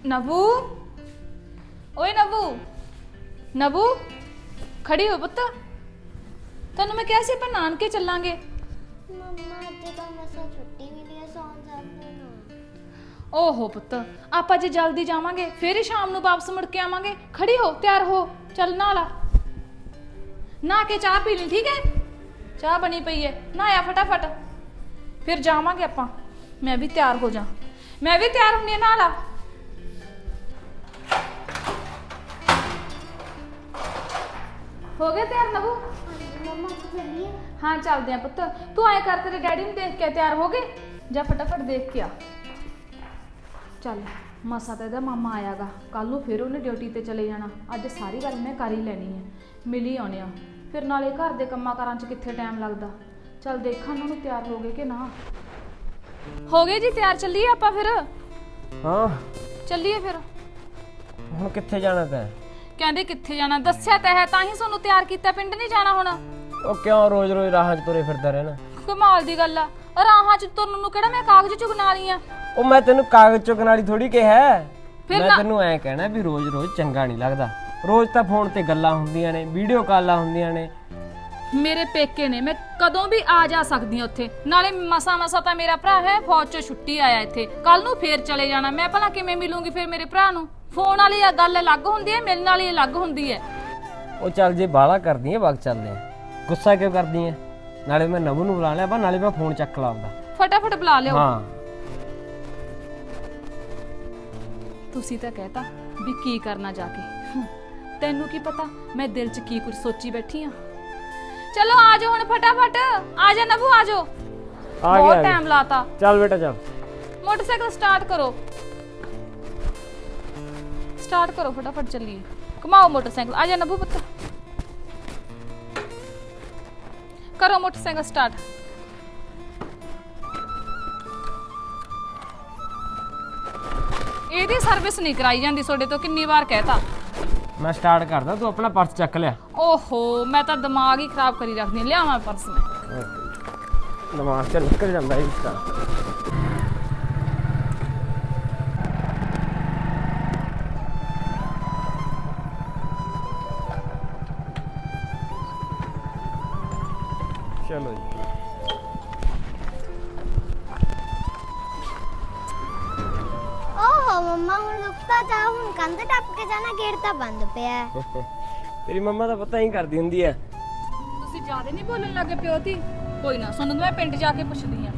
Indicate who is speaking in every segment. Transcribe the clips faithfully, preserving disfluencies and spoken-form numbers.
Speaker 1: नबू ओए नबू नबू खड़ी हो पुत्त तेन मैं क्या सी अपन नानके चलांगे
Speaker 2: मम्मा अज तो मसा छुट्टी मिली है सौन जाते ना
Speaker 1: ओहो पुत्त आपां जे जल्दी जावांगे फिर ही शाम नूं वापस मुड़ के आवांगे खड़ी हो तैयार हो चल नहा ला नहा के चाह पी ली ठीक है चाह बनी पई है नहाया फटाफट फिर जावांगे आपां मैं भी तैयार हो जा मैं भी तैयार होनी नहा ला हो गया तैयार नबू
Speaker 2: मम्मा चलिए
Speaker 1: हाँ चलते हैं पुत्त तू आए कर तेरे डैडी ने देख के तैयार हो गए जा फटाफट देख के आ चल मसा तो ਇਹਦਾ ਮਾਮਾ ਆਇਆਗਾ ਕੱਲ ਨੂੰ ਫਿਰ ਉਹਨੇ ਡਿਊਟੀ ਤੇ ਚਲੇ ਜਾਣਾ ਅੱਜ ਸਾਰੀ ਗੱਲ ਮੈਂ ਕਰ ਹੀ ਲੈਣੀ ਹੈ ਮਿਲ ਹੀ ਆਉਣੇ ਆ ਫਿਰ ਨਾਲੇ ਘਰ ਦੇ ਕੰਮਾਂ ਕਾਰਾਂ 'ਚ ਕਿੱਥੇ ਟਾਈਮ ਲੱਗਦਾ ਚੱਲ ਦੇਖਾਂ ਉਹਨਾਂ ਨੂੰ ਤਿਆਰ ਹੋ ਗਏ ਕਿ ਨਾ ਹੋ ਗਏ ਜੀ ਤਿਆਰ ਚੱਲੀਏ ਆਪਾਂ ਫਿਰ
Speaker 3: ਹਾਂ
Speaker 1: ਚੱਲੀਏ ਫਿਰ
Speaker 3: ਹੁਣ ਕਿੱਥੇ ਜਾਣਾ ਤੈਂ
Speaker 1: ਕਹਿੰਦੇ ਕਿੱਥੇ ਜਾਣਾ ਦੱਸਿਆ ਤਾਂ ਹੈ ਤਾਂ ਹੀ ਤੁਹਾਨੂੰ ਤਿਆਰ ਕੀਤਾ ਪਿੰਡ ਨਹੀਂ ਜਾਣਾ ਹੁਣ
Speaker 3: ਉਹ ਕਿਉਂ ਰੋਜ਼ ਰੋਜ਼ ਰਾਹਾਂ 'ਚ ਤੁਰੇ ਫਿਰਦਾ ਰਹਿਣਾ
Speaker 1: ਕਮਾਲ ਦੀ ਗੱਲ ਆ ਰਾਹਾਂ 'ਚ ਤੁਰਨ ਨੂੰ ਕਿਹੜਾ ਮੈਂ ਕਾਗਜ਼ ਚੁਗਣਾ ਲਈ ਆ
Speaker 3: ਉਹ ਮੈਂ ਤੈਨੂੰ ਕਾਗਜ਼ ਚੁੱਕਣ ਵਾਲੀ ਥੋੜੀ ਕਿਹਾ
Speaker 1: ਫਿਰ
Speaker 3: ਮੈਂ
Speaker 1: ਨਾ-
Speaker 3: ਤੈਨੂੰ ਐਂ ਕਹਿਣਾ ਵੀ ਰੋਜ਼ ਰੋਜ਼ ਚੰਗਾ ਨਹੀਂ ਲੱਗਦਾ ਰੋਜ਼ ਤਾਂ ਫੋਨ ਤੇ ਗੱਲਾਂ ਹੁੰਦੀਆਂ ਨੇ ਵੀਡੀਓ ਕਾਲਾਂ ਹੁੰਦੀਆਂ ਨੇ
Speaker 1: ਮੇਰੇ ਪੇਕੇ ਨੇ ਮੈਂ ਕਦੋਂ ਵੀ ਆ ਜਾ ਸਕਦੀ ਹਾਂ ਉੱਥੇ ਨਾਲੇ ਮਸਾ ਮਸਾ ਤਾਂ ਮੇਰਾ ਭਰਾ ਹੈ ਫੌਜ 'ਚੋਂ ਛੁੱਟੀ ਆਇਆ ਇੱਥੇ ਕੱਲ ਨੂੰ ਫੇਰ ਚਲੇ ਜਾਣਾ ਮੈਂ ਭਲਾ ਕਿਵੇਂ ਮਿਲੂੰਗੀ ਫਿਰ ਮੇਰੇ ਭਰਾ ਨੂੰ ਫੋਨ ਵਾਲੀ ਆ ਗੱਲ ਅਲੱਗ ਹੁੰਦੀ ਹੈ ਮਿਲਣ ਵਾਲੀ ਅਲੱਗ ਹੁੰਦੀ ਹੈ
Speaker 3: ਉਹ ਚੱਲ ਜੇ ਬਾਹਲਾ ਕਰਦੀ ਐ ਵਕਤ ਚੱਲਦੇ ਆ ਗੁੱਸਾ ਕਿਉਂ ਕਰਦੀ ਐ ਨਾਲੇ ਮੈਂ ਨਵੂ ਨੂੰ ਬੁਲਾ ਲਿਆ ਬਾ ਨਾਲੇ ਮੈਂ ਫੋਨ ਚੱਕ ਲਾਉਂਦਾ
Speaker 1: ਫਟਾਫਟ ਬੁਲਾ ਲਿਓ
Speaker 3: ਹਾਂ
Speaker 1: ਤੁਸੀਂ ਤਾਂ ਕਹਿਤਾ ਵੀ ਕੀ ਕਰਨਾ ਜਾ ਕੇ ਹਮ, ਤੈਨੂੰ ਕੀ ਪਤਾ ਮੈਂ ਦਿਲ 'ਚ ਕੀ ਕੁਝ ਸੋਚੀ ਬੈਠੀ ਆ ਚਲੋ ਆ ਜਾਓ ਹੁਣ ਫਟਾਫਟ ਆ ਜਾ ਨਬੂ ਆ ਜਾਓ
Speaker 3: ਆ
Speaker 1: ਬਹੁਤ
Speaker 3: ਗਿਆ
Speaker 1: ਟਾਈਮ ਲਾਤਾ
Speaker 3: ਚੱਲ ਬੇਟਾ ਚੱਲ
Speaker 1: मोटरसाइकिल स्टार्ट करो स्टार्ट करो फटाफट चलिए घुमाओ मोटरसाइकिल आजा नबू पुत्र करो मोटरसाइकिल स्टार्ट ਇਹਦੀ ਸਰਵਿਸ ਨਹੀਂ ਕਰਾਈ ਜਾਂਦੀ ਤੁਹਾਡੇ ਤੋਂ ਕਿੰਨੀ ਵਾਰ ਕਹਿਤਾ
Speaker 3: ਮੈਂ ਸਟਾਰਟ ਕਰਦਾ ਤੂੰ ਆਪਣਾ ਪਰਸ ਚੱਕ ਲਿਆ
Speaker 1: ਓਹੋ ਮੈਂ ਤਾਂ ਦਿਮਾਗ ਹੀ ਖਰਾਬ ਕਰੀ ਰੱਖਦੀ ਹਾਂ ਲਿਆਵਾਂ ਪਰਸ ਮੈਂ
Speaker 3: ਦਿਮਾਗ ਚ ਨਿਕਲ ਜਾਂਦਾ ਇਸ ਦਾ ਚਲੋ ਜੀ
Speaker 2: ओहो मम्मा हूं लुकता जा हूं कंध टप के जाना गेट ਤਾਂ ਬੰਦ ਪਿਆ ਹੈ
Speaker 3: ਤੇਰੀ ਮੰਮਾ ਦਾ ਪਤਾ ਹੀ ਕਰਦੀ ਹੁੰਦੀ ਐ
Speaker 1: ਤੁਸੀਂ ਜ਼ਿਆਦਾ ਨਹੀਂ ਬੋਲਣ ਲੱਗੇ ਪਿਓ ਤੀ ਕੋਈ ਨਾ ਸੁਣ ਮੈਂ ਪਿੰਡ ਜਾ ਕੇ ਪੁੱਛਦੀ ਆ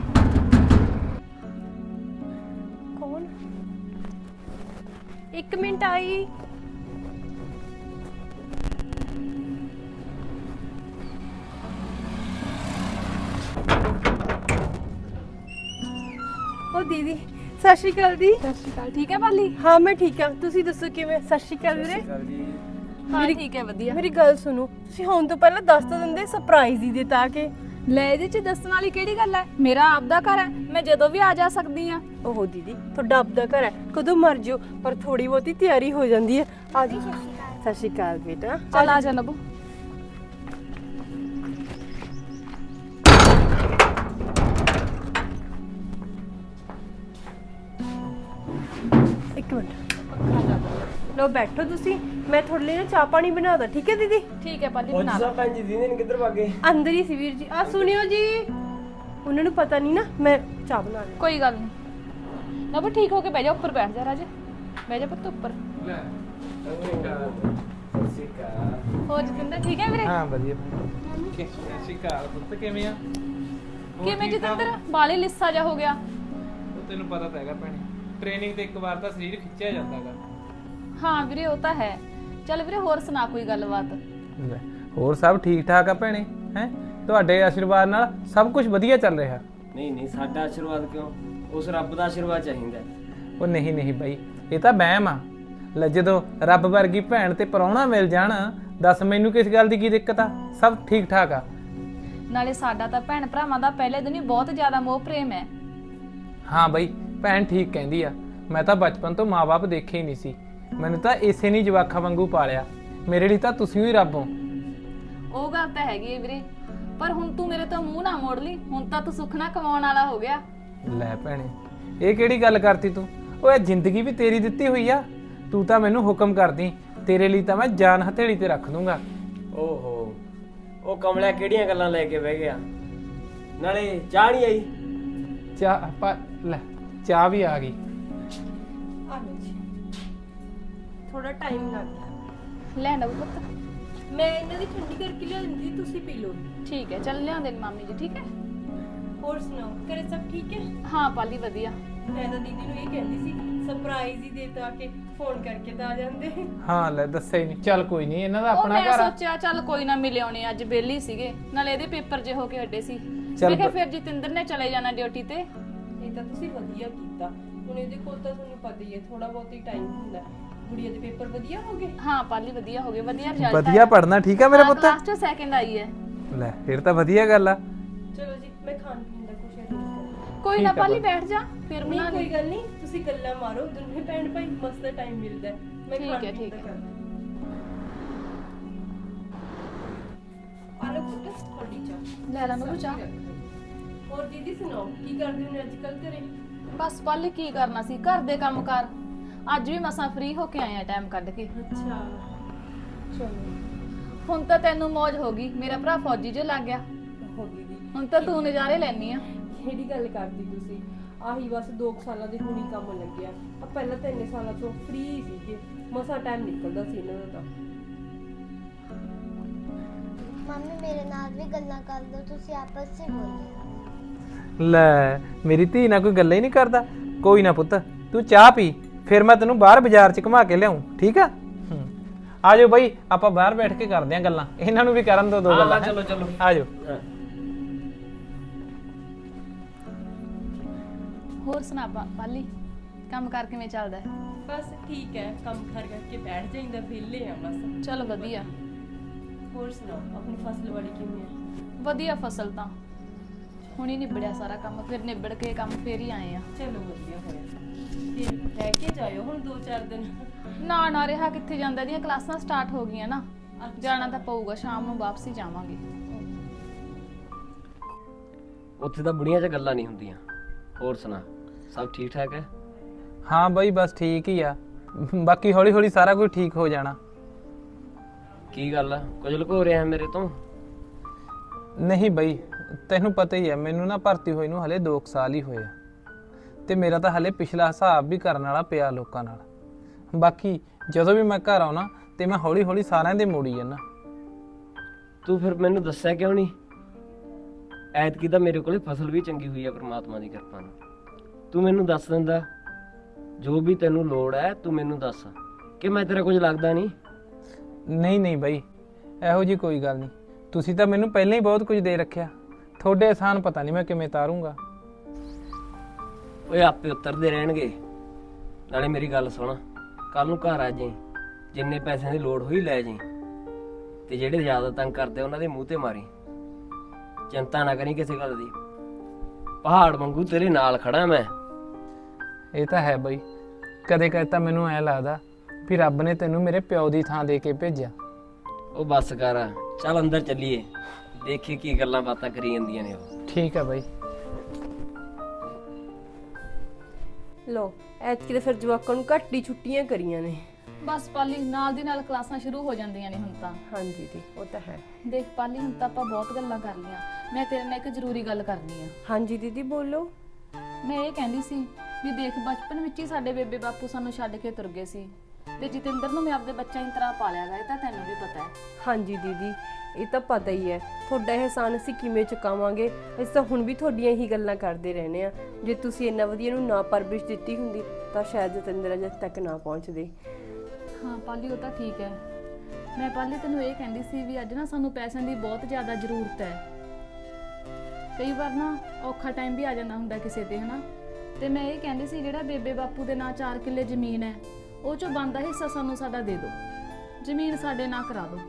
Speaker 4: ਕੌਣ ਇੱਕ ਮਿੰਟ ਆਈ ਉਹ ਦੀਦੀ ਸਤਿ ਸ਼੍ਰੀ ਅਕਾਲ ਦੀ
Speaker 1: ਸਤਿ ਸ਼੍ਰੀ ਅਕਾਲ ਠੀਕ ਹੈ ਬਾਲੀ
Speaker 4: ਹਾਂ ਮੈਂ ਠੀਕ ਹਾਂ ਤੁਸੀਂ ਦੱਸੋ ਕਿਵੇਂ ਸਤਿ ਸ਼੍ਰੀ ਅਕਾਲ ਵੀਰੇ
Speaker 1: ਹਾਂ ਠੀਕ ਹੈ ਵਧੀਆ
Speaker 4: ਮੇਰੀ ਗੱਲ ਸੁਣੋ ਤੁਸੀਂ ਹੁਣ ਤੋਂ ਪਹਿਲਾਂ ਦੱਸ ਤਾਂ ਦਿੰਦੇ ਸਰਪ੍ਰਾਈਜ਼ ਹੀ ਦਿੱਤਾ ਕਿ
Speaker 1: ਲੈ ਇਹਦੇ ਚ ਦੱਸਣ ਵਾਲੀ ਕਿਹੜੀ ਗੱਲ ਹੈ ਮੇਰਾ ਆਪਦਾ ਘਰ ਹੈ ਮੈਂ ਜਦੋਂ ਵੀ ਆ ਜਾ ਸਕਦੀ ਆ
Speaker 4: ਓਹੋ ਦੀਦੀ ਤੁਹਾਡਾ ਆਪਦਾ ਘਰ ਹੈ ਕਦੋਂ ਮਰ ਜਿਓ ਪਰ ਥੋੜੀ ਬਹੁਤੀ ਤਿਆਰੀ ਹੋ ਜਾਂਦੀ ਹੈ ਆ ਜੀ ਸਤਿ ਸ਼੍ਰੀ ਅਕਾਲ ਬੇਟਾ
Speaker 1: ਚੱਲ ਆ ਜਾ ਨਬੂ
Speaker 4: ਇੱਕ ਮਿੰਟ ਲੋ ਬੈਠੋ ਤੁਸੀਂ ਮੈਂ ਤੁਹਾਡੇ ਲਈ ਨਾ ਚਾਹ ਪਾਣੀ ਬਣਾਦਾ ਠੀਕ ਹੈ ਦੀਦੀ
Speaker 1: ਠੀਕ ਹੈ ਬਾਲੀ
Speaker 3: ਉਹ
Speaker 1: ਬਣਾ
Speaker 3: ਜਿਸਾ ਭੈਣ ਜੀ ਦੀਦੀ ਨੇ ਕਿੱਧਰ ਭਾਗੇ
Speaker 4: ਅੰਦਰ ਹੀ ਸੀ ਵੀਰ ਜੀ ਆ ਸੁਣਿਓ ਜੀ ਉਹਨਾਂ ਨੂੰ ਪਤਾ ਨਹੀਂ ਨਾ ਮੈਂ ਚਾਹ ਬਣਾ ਲਈ
Speaker 1: ਕੋਈ ਗੱਲ ਨਹੀਂ ਨਬੂ ਠੀਕ ਹੋ ਕੇ ਬਹਿ ਜਾ ਉੱਪਰ ਬੈਠ ਜਾ ਰਾਜ ਬਹਿ ਜਾ ਪੁੱਤ ਉੱਪਰ ਹੋਰ ਜਤਿੰਦਰ ਠੀਕ ਹੈ ਵੀਰੇ
Speaker 5: ਹਾਂ ਵਧੀਆ ਸਤਿ ਸ਼੍ਰੀ ਅਕਾਲ ਪੁੱਤ ਕਿਵੇਂ ਆ
Speaker 1: ਕਿਵੇਂ ਜਤਿੰਦਰ ਬਾਲੇ ਲਿੱਸਾ ਜਾ ਹੋ ਗਿਆ
Speaker 5: ਉਹ ਤੈਨੂੰ ਪਤਾ ਤਾਂ ਹੈਗਾ ਭੈਣੇ ਟ੍ਰੇਨਿੰਗ ਤੇ ਇੱਕ ਵਾਰ ਤਾਂ ਸਰੀਰ ਖਿੱਚਿਆ ਜਾਂਦਾਗਾ
Speaker 1: ਹਾਂ ਵੀਰੇ ਉਹ ਤਾਂ ਹੈ ਚੱਲ ਵੀਰੇ ਹੋਰ ਸੁਣਾ ਕੋਈ ਗੱਲਬਾਤ
Speaker 5: ਹੋਰ ਸਭ ਠੀਕ ਠਾਕ ਆ ਭੈਣੇ ਹੈ ਤੁਹਾਡੇ ਆਸ਼ੀਰਵਾਦ ਨਾਲ ਸਭ ਕੁਝ ਵਧੀਆ ਚੱਲ ਰਿਹਾ
Speaker 3: ਨਹੀਂ ਨਹੀਂ ਸਾਡਾ ਆਸ਼ੀਰਵਾਦ ਕਿਉਂ ਉਸ ਰੱਬ ਦਾ ਆਸ਼ੀਰਵਾਦ ਚਾਹੀਦਾ
Speaker 5: ਉਹ ਨਹੀਂ ਨਹੀਂ ਬਾਈ ਇਹ ਤਾਂ ਵਹਿਮ ਆ ਲੈ ਜਦੋਂ ਰੱਬ ਵਰਗੀ ਭੈਣ ਤੇ ਪਰਾਉਣਾ ਮਿਲ ਜਾਣ ਦੱਸ ਮੈਨੂੰ ਕਿਸ ਗੱਲ ਦੀ ਕੀ ਦਿੱਕਤ ਆ ਸਭ ਠੀਕ ਠਾਕ ਆ
Speaker 1: ਨਾਲੇ ਸਾਡਾ ਤਾਂ ਭੈਣ ਭਰਾਵਾਂ ਦਾ ਪਹਿਲੇ ਦਿਨ ਹੀ ਬਹੁਤ ਜ਼ਿਆਦਾ ਮੋਹ ਪ੍ਰੇਮ ਹੈ
Speaker 5: ਹਾਂ ਬਾਈ ਭੈਣ ਠੀਕ ਕਹਿੰਦੀ ਆ ਮੈਂ ਤਾਂ ਬਚਪਨ ਤੋਂ ਮਾਂ-ਬਾਪ ਦੇਖੇ ਹੀ ਨਹੀਂ ਸੀ ਮੈਨੂੰ ਤਾਂ ਇਸੇ ਨਹੀਂ ਜਵਾਖਾਂ ਵਾਂਗੂ ਪਾਲਿਆ ਮੇਰੇ ਲਈ ਤਾਂ ਤੁਸੀਂ ਹੀ ਰੱਬ ਹੋ
Speaker 1: ਉਹ ਗੱਲ ਤਾਂ ਹੈਗੀ ਹੈ ਵੀਰੇ ਪਰ ਹੁਣ ਤੂੰ ਮੇਰੇ ਤੋਂ ਮੂੰਹ ਨਾ ਮੋੜ ਲਈ ਹੁਣ ਤਾਂ ਤੂੰ ਸੁੱਖ ਨਾ ਕਮਾਉਣ ਵਾਲਾ ਹੋ ਗਿਆ
Speaker 5: ਲੈ ਭੈਣੇ ਇਹ ਕਿਹੜੀ ਗੱਲ ਕਰਤੀ ਤੂੰ ਓਏ ਜ਼ਿੰਦਗੀ ਵੀ ਤੇਰੀ ਦਿੱਤੀ ਹੋਈ ਆ, ਤੂੰ ਤਾਂ ਮੈਨੂੰ ਹੁਕਮ ਕਰਦੀ, ਤੇਰੇ ਲਈ ਤਾਂ ਮੈਂ ਜਾਨ ਹਥੇਲੀ ਤੇ ਰੱਖ ਦੂੰਗਾ।
Speaker 3: ਓਹੋ ਉਹ ਕਮਲਿਆ ਕਿਹੜੀਆਂ ਗੱਲਾਂ ਲੈ ਕੇ ਬਹਿ ਗਿਆ, ਨਾਲੇ ਚਾਹ ਨਹੀਂ ਆਈ।
Speaker 5: ਚਾਹ ਪਾ ਲੈ, ਚਾਹ ਵੀ ਆ ਗਈ।
Speaker 4: ਆ ਲਓ ਜੀ, ਥੋੜਾ ਟਾਈਮ ਲੱਗ ਗਿਆ।
Speaker 1: ਲੈ ਨਵ ਪੁੱਤ।
Speaker 4: ਮੈਂ ਇਹਨਾਂ ਦੀ ਠੰਡੀ ਕਰਕੇ ਲਿਆਂਦੀ, ਤੁਸੀਂ ਪੀ ਲਓ।
Speaker 1: ਠੀਕ ਹੈ, ਚੱਲ ਲਿਆਉਂਦੇ ਨੇ ਮਾਮੀ ਜੀ। ਠੀਕ ਹੈ।
Speaker 4: ਹੋਰ ਸੁਣਾਓ, ਘਰੇ ਸਭ ਠੀਕ ਹੈ?
Speaker 1: ਹਾਂ ਪਾਲੀ ਵਧੀਆ।
Speaker 4: ਮੈਂ ਤਾਂ ਦੀਦੀ ਨੂੰ ਇਹ ਕਹਿੰਦੀ ਸੀ ਸਰਪ੍ਰਾਈਜ਼ ਹੀ ਦੇ ਤਾ ਕੇ ਫੋਨ ਕਰਕੇ ਤਾਂ ਆ ਜਾਂਦੇ।
Speaker 5: ਹਾਂ ਲੈ, ਦੱਸਿਆ ਹੀ ਨਹੀਂ। ਚੱਲ ਕੋਈ ਨਹੀਂ, ਇਹਨਾਂ ਦਾ
Speaker 1: ਉਹ
Speaker 5: ਆਪਣਾ
Speaker 1: ਮੈਂ
Speaker 5: ਘਰ ਆ।
Speaker 1: ਸੋਚਿਆ ਚੱਲ ਕੋਈ ਨਾ ਮਿਲੇ ਆਉਣੇ, ਅੱਜ ਬੇਲੀ ਸੀਗੇ, ਨਾਲੇ ਇਹਦੇ ਪੇਪਰ ਜੇ ਹੋ ਕੇ ਹੱਡੇ ਸੀ।
Speaker 5: ਚੱਲ
Speaker 1: ਮੈਂ ਕਿਹਾ
Speaker 5: ਬ-
Speaker 1: ਫਿਰ ਜਤਿੰਦਰ ਨੇ ਚਲੇ ਜਾਣਾ ਡਿਊਟੀ ਤੇ।
Speaker 4: ਇਹ ਤਾਂ ਤੁਸੀਂ ਵਧੀਆ ਕੀਤਾ। ਹੁਣ ਇਹਦੇ ਕੋਲ ਤਾਂ ਤੁਹਾਨੂੰ ਪਤਾ ਹੀ ਹੈ ਥੋੜਾ ਬਹੁਤ ਹੀ ਟਾਈਮ ਹੁੰਦਾ। ਗੁੜੀਆ ਦੇ ਪੇਪਰ ਵਧੀਆ ਹੋ ਗਏ?
Speaker 1: ਹਾਂ ਪਾਲੀ ਵਧੀਆ ਹੋ ਗਏ, ਵਧੀਆ ਰਿਜ਼ਲਟ
Speaker 5: ਵਧੀਆ ਪੜਨਾ, ਠੀਕ ਆ ਮੇਰਾ ਪੁੱਤ?
Speaker 1: ਕਲਾਸ ਚ ਸੈਕਿੰਡ ਆਈ ਹੈ।
Speaker 5: ਲੈ ਫਿਰ ਤਾਂ ਵਧੀਆ ਗੱਲ ਆ।
Speaker 4: ਚਲੋ ਜੀ, ਮੈਂ ਖਾਣ ਪੀਣ ਦਾ ਕੁਝ ਅਰੇਂਜ ਕਰਾਂ।
Speaker 1: ਕੋਈ ਨਾ
Speaker 5: ਠੀਕ ਆ
Speaker 1: ਪਾਲੀ,
Speaker 5: ਬਸ।
Speaker 1: ਬੈਠ ਜਾ ਫਿਰ
Speaker 4: ਨਹੀਂ
Speaker 1: ਬਣਾ
Speaker 4: ਕੋਈ
Speaker 1: ਲਈ।
Speaker 4: ਗੱਲ ਨਹੀਂ, ਤੁਸੀਂ ਗੱਲਾਂ ਮਾਰੋ ਦੋਨੇ ਭੈਣ ਭਾਈ, ਮਸਤ ਟਾਈਮ ਮਿਲਦਾ ਹੈ। ਮੈਂ
Speaker 1: ਠੀਕ
Speaker 4: ਖਾਣ
Speaker 1: ਹੈ,
Speaker 4: ਪੀਣ
Speaker 1: ਠੀਕ
Speaker 4: ਦਾ
Speaker 1: ਹੈ।
Speaker 4: ਕਰਦਾ। ਆਲੋ ਪੁੱਤ, ਤੁਹਾਡੀ ਚਾਹ।
Speaker 1: ਲੈ ਲਾ ਨਵੂ ਚਾਹ।
Speaker 4: ਹੋਰ ਦੀਦੀ ਸੁਣਾਓ, ਕੀ ਕਰਦੇ ਹੋ ਅੱਜ ਕੱਲ ਘਰੇ?
Speaker 1: ਬਸ ਪਾਲੀ ਕੀ ਕਰਨਾ ਸੀ, ਘਰ ਦੇ ਕੰਮ ਕਰ। ਅੱਜ ਵੀ ਮਸਾਂ ਫ੍ਰੀ ਹੋ ਕੇ ਆਏ ਆ ਟਾਈਮ ਕੱਢ ਕੇ।
Speaker 4: ਅੱਛਾ,
Speaker 1: ਚਲੋ ਹੁਣ ਤਾਂ ਤੈਨੂੰ ਮौज ਹੋ ਗਈ, ਮੇਰਾ ਭਰਾ ਫੌਜੀ ਜੋ ਲੱਗ ਗਿਆ।
Speaker 4: ਹੋ ਦੀਦੀ,
Speaker 1: ਹੁਣ ਤਾਂ ਤੂੰ ਨਜ਼ਾਰੇ ਲੈਣੀ ਆ।
Speaker 4: ਕਿਹੜੀ ਗੱਲ ਕਰਦੀ ਤੁਸੀਂ? ਆਹੀ ਬਸ ਦੋ ਕੁ ਸਾਲਾਂ ਦੇ ਹੁਣੀ ਕੰਮ ਲੱਗਿਆ। ਆ ਪਹਿਲਾਂ ਤਾਂ ਇੰਨੇ ਸਾਲਾਂ ਤੋਂ ਫ੍ਰੀ ਸੀਗੇ, ਮਸਾ ਟਾਈਮ ਨਿਕਲਦਾ ਸੀ ਇਹਨਾਂ ਦਾ ਤਾਂ।
Speaker 2: ਮੰਮੀ ਮੇਰੇ ਨਾਲ ਵੀ ਗੱਲਾਂ ਕਰ ਲਓ, ਤੁਸੀਂ ਆਪਸ ਵਿੱਚ ਬੋਲੋ।
Speaker 5: ਲੈ ਮੇਰੀ ਧੀ ਨਾਲ ਕੋਈ ਗੱਲਾਂ ਹੀ ਨਹੀਂ ਕਰਦਾ। ਕੋਈ ਨਾ ਪੁੱਤ, ਤੂੰ ਚਾਹ ਪੀ, ਫਿਰ ਮੈਂ ਤੈਨੂੰ ਬਾਹਰ ਬਾਜ਼ਾਰ 'ਚ ਘੁਮਾ ਕੇ ਲਿਆਉਂ, ਠੀਕ ਆ? ਹੂੰ, ਆ ਜਾਓ ਬਈ, ਆਪਾਂ ਬਾਹਰ ਬੈਠ ਕੇ ਕਰਦੇ ਆਂ ਗੱਲਾਂ। ਇਹਨਾਂ ਨੂੰ ਵੀ ਕਰਨ ਦੋ ਦੋ
Speaker 3: ਹਾਂ,
Speaker 5: ਗੱਲਾਂ।
Speaker 3: ਚਲੋ, ਚਲੋ।
Speaker 5: ਆ ਜਾਓ।
Speaker 3: ਹਾਂ।
Speaker 1: ਹੋਰ ਸੁਣਾ ਪਾ- ਪਾਲੀ, ਕੰਮ ਕਰ ਕਿਵੇਂ ਚੱਲਦਾ ਹੈ?
Speaker 4: ਬਸ ਠੀਕ ਹੈ, ਕੰਮ ਕਰ ਕਰਕੇ ਬੈਠ ਜਾਈਂਦਾ, ਵਿਹਲੇ ਆ ਬਸ।
Speaker 1: ਚਲ ਵਧੀਆ।
Speaker 4: ਹੋਰ ਸੁਣਾਓ, ਆਪਣੀ ਫਸਲ ਵਾੜੀ ਕਿਵੇਂ ਹੈ?
Speaker 1: ਵਧੀਆ ਫਸਲ ਤਾਂ ਹੁਣੀ ਨਿਬੜਿਆ ਸਾਰਾ ਕੰਮ, ਫਿਰ ਨਿਬੜ ਕੇ ਕੰਮ ਫੇਰ ਹੀ ਆਏ ਆ।
Speaker 4: ਚਲੋ ਵਧੀਆ ਹੋਇਆ। ਫਿਰ ਰਹਿ ਕੇ ਜਾਇਓ ਹੁਣ ਦੋ ਚਾਰ ਦਿਨ।
Speaker 1: ਨਾ ਨਾ ਰਿਹਾ ਕਿੱਥੇ ਜਾਂਦਾ, ਦੀਆਂ ਕਲਾਸਾਂ ਸਟਾਰਟ ਹੋ ਗਈਆਂ ਨਾ, ਜਾਣਾ ਤਾਂ ਪਊਗਾ, ਸ਼ਾਮ ਨੂੰ ਵਾਪਸੀ ਜਾਵਾਂਗੇ।
Speaker 3: ਉੱਥੇ ਤਾਂ ਬੁੜੀਆਂ 'ਚ ਗੱਲਾਂ ਨਹੀਂ ਹੁੰਦੀਆਂ। ਹੋਰ ਸੁਣਾ, ਸਭ ਠੀਕ ਠਾਕ ਹੈ?
Speaker 5: ਹਾਂ ਬਈ, ਬਸ ਠੀਕ ਹੀ ਆ। ਬਾਕੀ ਹੌਲੀ ਹੌਲੀ ਸਾਰਾ ਕੁਝ ਠੀਕ ਹੋ ਜਾਣਾ।
Speaker 3: ਕੀ ਗੱਲ ਆ, ਕੁਝ ਲੁਕੋ ਰਿਹਾ ਹੈ ਮੇਰੇ ਤੋਂ?
Speaker 5: ਨਹੀਂ ਬਈ, ਤੈਨੂੰ ਪਤਾ ਹੀ ਹੈ, ਮੈਨੂੰ ਨਾ ਭਰਤੀ ਹੋਈ ਨੂੰ ਹਲੇ ਦੋ ਸਾਲ ਹੀ ਹੋਏ ਆ, ਤੇ ਮੇਰਾ ਤਾਂ ਹਲੇ ਪਿਛਲਾ ਹਿਸਾਬ ਵੀ ਕਰਨ ਵਾਲਾ ਪਿਆ ਲੋਕਾਂ ਨਾਲ। ਬਾਕੀ ਜਦੋਂ ਵੀ ਮੈਂ ਘਰ ਆਉਣਾ ਤੇ ਮੈਂ ਹੌਲੀ ਹੌਲੀ ਸਾਰਿਆਂ ਦੇ ਮੋੜੀ ਜਾਣਾ।
Speaker 3: ਤੂੰ ਫਿਰ ਮੈਨੂੰ ਦੱਸਿਆ ਕਿਉਂ ਨਹੀਂ? ਐਤਕੀ ਤਾਂ ਮੇਰੇ ਕੋਲੇ ਫਸਲ ਵੀ ਚੰਗੀ ਹੋਈ ਹੈ ਪ੍ਰਮਾਤਮਾ ਦੀ ਕਿਰਪਾ ਨਾਲ। ਤੂੰ ਮੈਨੂੰ ਦੱਸ ਦਿੰਦਾ, ਜੋ ਵੀ ਤੈਨੂੰ ਲੋੜ ਹੈ ਤੂੰ ਮੈਨੂੰ ਦੱਸ, ਕਿ ਮੈਂ ਤੇਰਾ ਕੁਝ ਲੱਗਦਾ ਨਹੀਂ।
Speaker 5: ਨਹੀਂ ਨਹੀਂ ਬਈ, ਇਹੋ ਜੀ ਕੋਈ ਗੱਲ ਨਹੀਂ। ਤੁਸੀਂ ਤਾਂ ਮੈਨੂੰ ਪਹਿਲਾਂ ਹੀ ਬਹੁਤ ਕੁਝ ਦੇ ਰੱਖਿਆ, ਤੁਹਾਡੇ ਆਸਾਨ ਪਤਾ ਨਹੀਂ ਮੈਂ ਕਿਵੇਂ ਤਾਰੂੰਗਾ।
Speaker 3: ਓਏ ਆਪੇ ਉਤਰਦੇ ਰਹਿਣਗੇ। ਨਾਲੇ ਮੇਰੀ ਗੱਲ ਸੁਣ, ਕੱਲ ਨੂੰ ਘਰ ਆ ਜਾਈਂ, ਜਿੰਨੇ ਪੈਸਿਆਂ ਦੀ ਲੋੜ ਹੋਈ ਲੈ ਜਾਈਂ, ਤੇ ਜਿਹੜੇ ਜ਼ਿਆਦਾ ਤੰਗ ਕਰਦੇ ਉਹਨਾਂ ਦੇ ਮੂੰਹ ਤੇ ਮਾਰੀ। ਚਿੰਤਾ ਨਾ ਕਰੀ ਕਿਸੇ ਗੱਲ ਦੀ, ਪਹਾੜ ਵਾਂਗੂ ਤੇਰੇ ਨਾਲ ਖੜਾ ਮੈਂ।
Speaker 5: ਇਹ ਤਾਂ ਹੈ ਬਈ, ਕਦੇ ਕਦੇ ਤਾਂ ਮੈਨੂੰ ਐ ਲੱਗਦਾ ਵੀ ਰੱਬ ਨੇ ਤੈਨੂੰ ਮੇਰੇ ਪਿਓ ਦੀ ਥਾਂ ਦੇ ਕੇ ਭੇਜਿਆ।
Speaker 3: ਉਹ ਬੱਸ ਕਰ, ਚੱਲ ਅੰਦਰ ਚੱਲੀਏ, ਦੇਖੀ ਕੀ ਗੱਲਾਂ ਬਾਤਾਂ ਕਰੀ ਜਾਂਦੀਆਂ ਨੇ ਉਹ।
Speaker 5: ਠੀਕ ਹੈ ਬਈ।
Speaker 4: ਲੋ ਐਤਕੀ ਤਾਂ ਫਿਰ ਜਵਾਕਾਂ ਨੂੰ ਘੱਟ ਹੀ ਛੁੱਟੀਆਂ ਕਰੀਆਂ ਨੇ।
Speaker 1: ਬਸ ਪਾਲੀ, ਨਾਲ ਦੀ ਨਾਲ ਕਲਾਸਾਂ ਸ਼ੁਰੂ ਹੋ ਜਾਂਦੀਆਂ ਨੇ ਹੁਣ ਤਾਂ।
Speaker 4: ਹਾਂਜੀ ਦੀ, ਉਹ ਤਾਂ ਹੈ।
Speaker 1: ਦੇਖ ਪਾਲੀ, ਹੁਣ ਤਾਂ ਆਪਾਂ ਬਹੁਤ ਗੱਲਾਂ ਕਰ ਲਈਆਂ, ਮੈਂ ਤੇਰੇ ਨਾਲ ਇੱਕ ਜ਼ਰੂਰੀ ਗੱਲ ਕਰਨੀ ਆ।
Speaker 4: ਹਾਂਜੀ ਦੀਦੀ ਬੋਲੋ।
Speaker 1: ਮੈਂ ਇਹ ਕਹਿੰਦੀ ਸੀ ਵੀ ਦੇਖ, ਬਚਪਨ ਵਿੱਚ ਹੀ ਸਾਡੇ ਬੇਬੇ ਬਾਪੂ ਸਾਨੂੰ ਛੱਡ ਕੇ ਤੁਰ ਗਏ ਸੀ, ਤੇ ਜਤਿੰਦਰ ਨੂੰ ਮੈਂ ਆਪਦੇ ਬੱਚਿਆਂ ਦੀ ਤਰ੍ਹਾਂ ਪਾਲਿਆ ਗਾ, ਇਹ ਤਾਂ ਤੈਨੂੰ ਵੀ ਪਤਾ ਹੈ।
Speaker 4: ਹਾਂਜੀ ਦੀਦੀ, ਇਹ ਤਾਂ ਪਤਾ ਹੀ ਹੈ। ਤੁਹਾਡਾ ਇਹਸਾਨ ਅਸੀਂ ਕਿਵੇਂ ਚੁਕਾਵਾਂਗੇ? ਅਸੀਂ ਤਾਂ ਹੁਣ ਵੀ ਤੁਹਾਡੀਆਂ ਹੀ ਗੱਲਾਂ ਕਰਦੇ ਰਹਿੰਦੇ ਆ। ਜੇ ਤੁਸੀਂ ਇੰਨਾ ਵਧੀਆ ਨੂੰ ਨਾ ਪਰਵਰਿਸ਼ ਦਿੱਤੀ ਹੁੰਦੀ ਤਾਂ ਸ਼ਾਇਦ ਜਤਿੰਦਰ ਅਜੇ ਤੱਕ ਨਾ ਪਹੁੰਚਦੇ।
Speaker 1: ਹਾਂ ਪਾਲੀ, ਉਹ ਤਾਂ ਠੀਕ ਹੈ। ਮੈਂ ਪਾਲੀ ਤੈਨੂੰ ਇਹ ਕਹਿੰਦੀ ਸੀ ਵੀ ਅੱਜ ਨਾ ਸਾਨੂੰ ਪੈਸਿਆਂ ਦੀ ਬਹੁਤ ਜ਼ਿਆਦਾ ਜ਼ਰੂਰਤ ਹੈ। ਕਈ ਵਾਰ ਨਾ ਔਖਾ ਟਾਈਮ ਵੀ ਆ ਜਾਂਦਾ ਹੁੰਦਾ ਕਿਸੇ ਤੇ, ਹਨਾ। ਤੇ ਮੈਂ ਇਹ ਕਹਿੰਦੀ ਸੀ ਜਿਹੜਾ ਬੇਬੇ ਬਾਪੂ ਦੇ ਨਾਂ ਚਾਰ ਕਿੱਲੇ ਜ਼ਮੀਨ ਹੈ, ਉਹ ਚੋਂ ਬਣਦਾ ਹਿੱਸਾ ਸਾਨੂੰ ਸਾਡਾ ਦੇ ਦਿਓ, ਜ਼ਮੀਨ ਸਾਡੇ ਨਾਂ ਕਰਾ ਦਿਓ।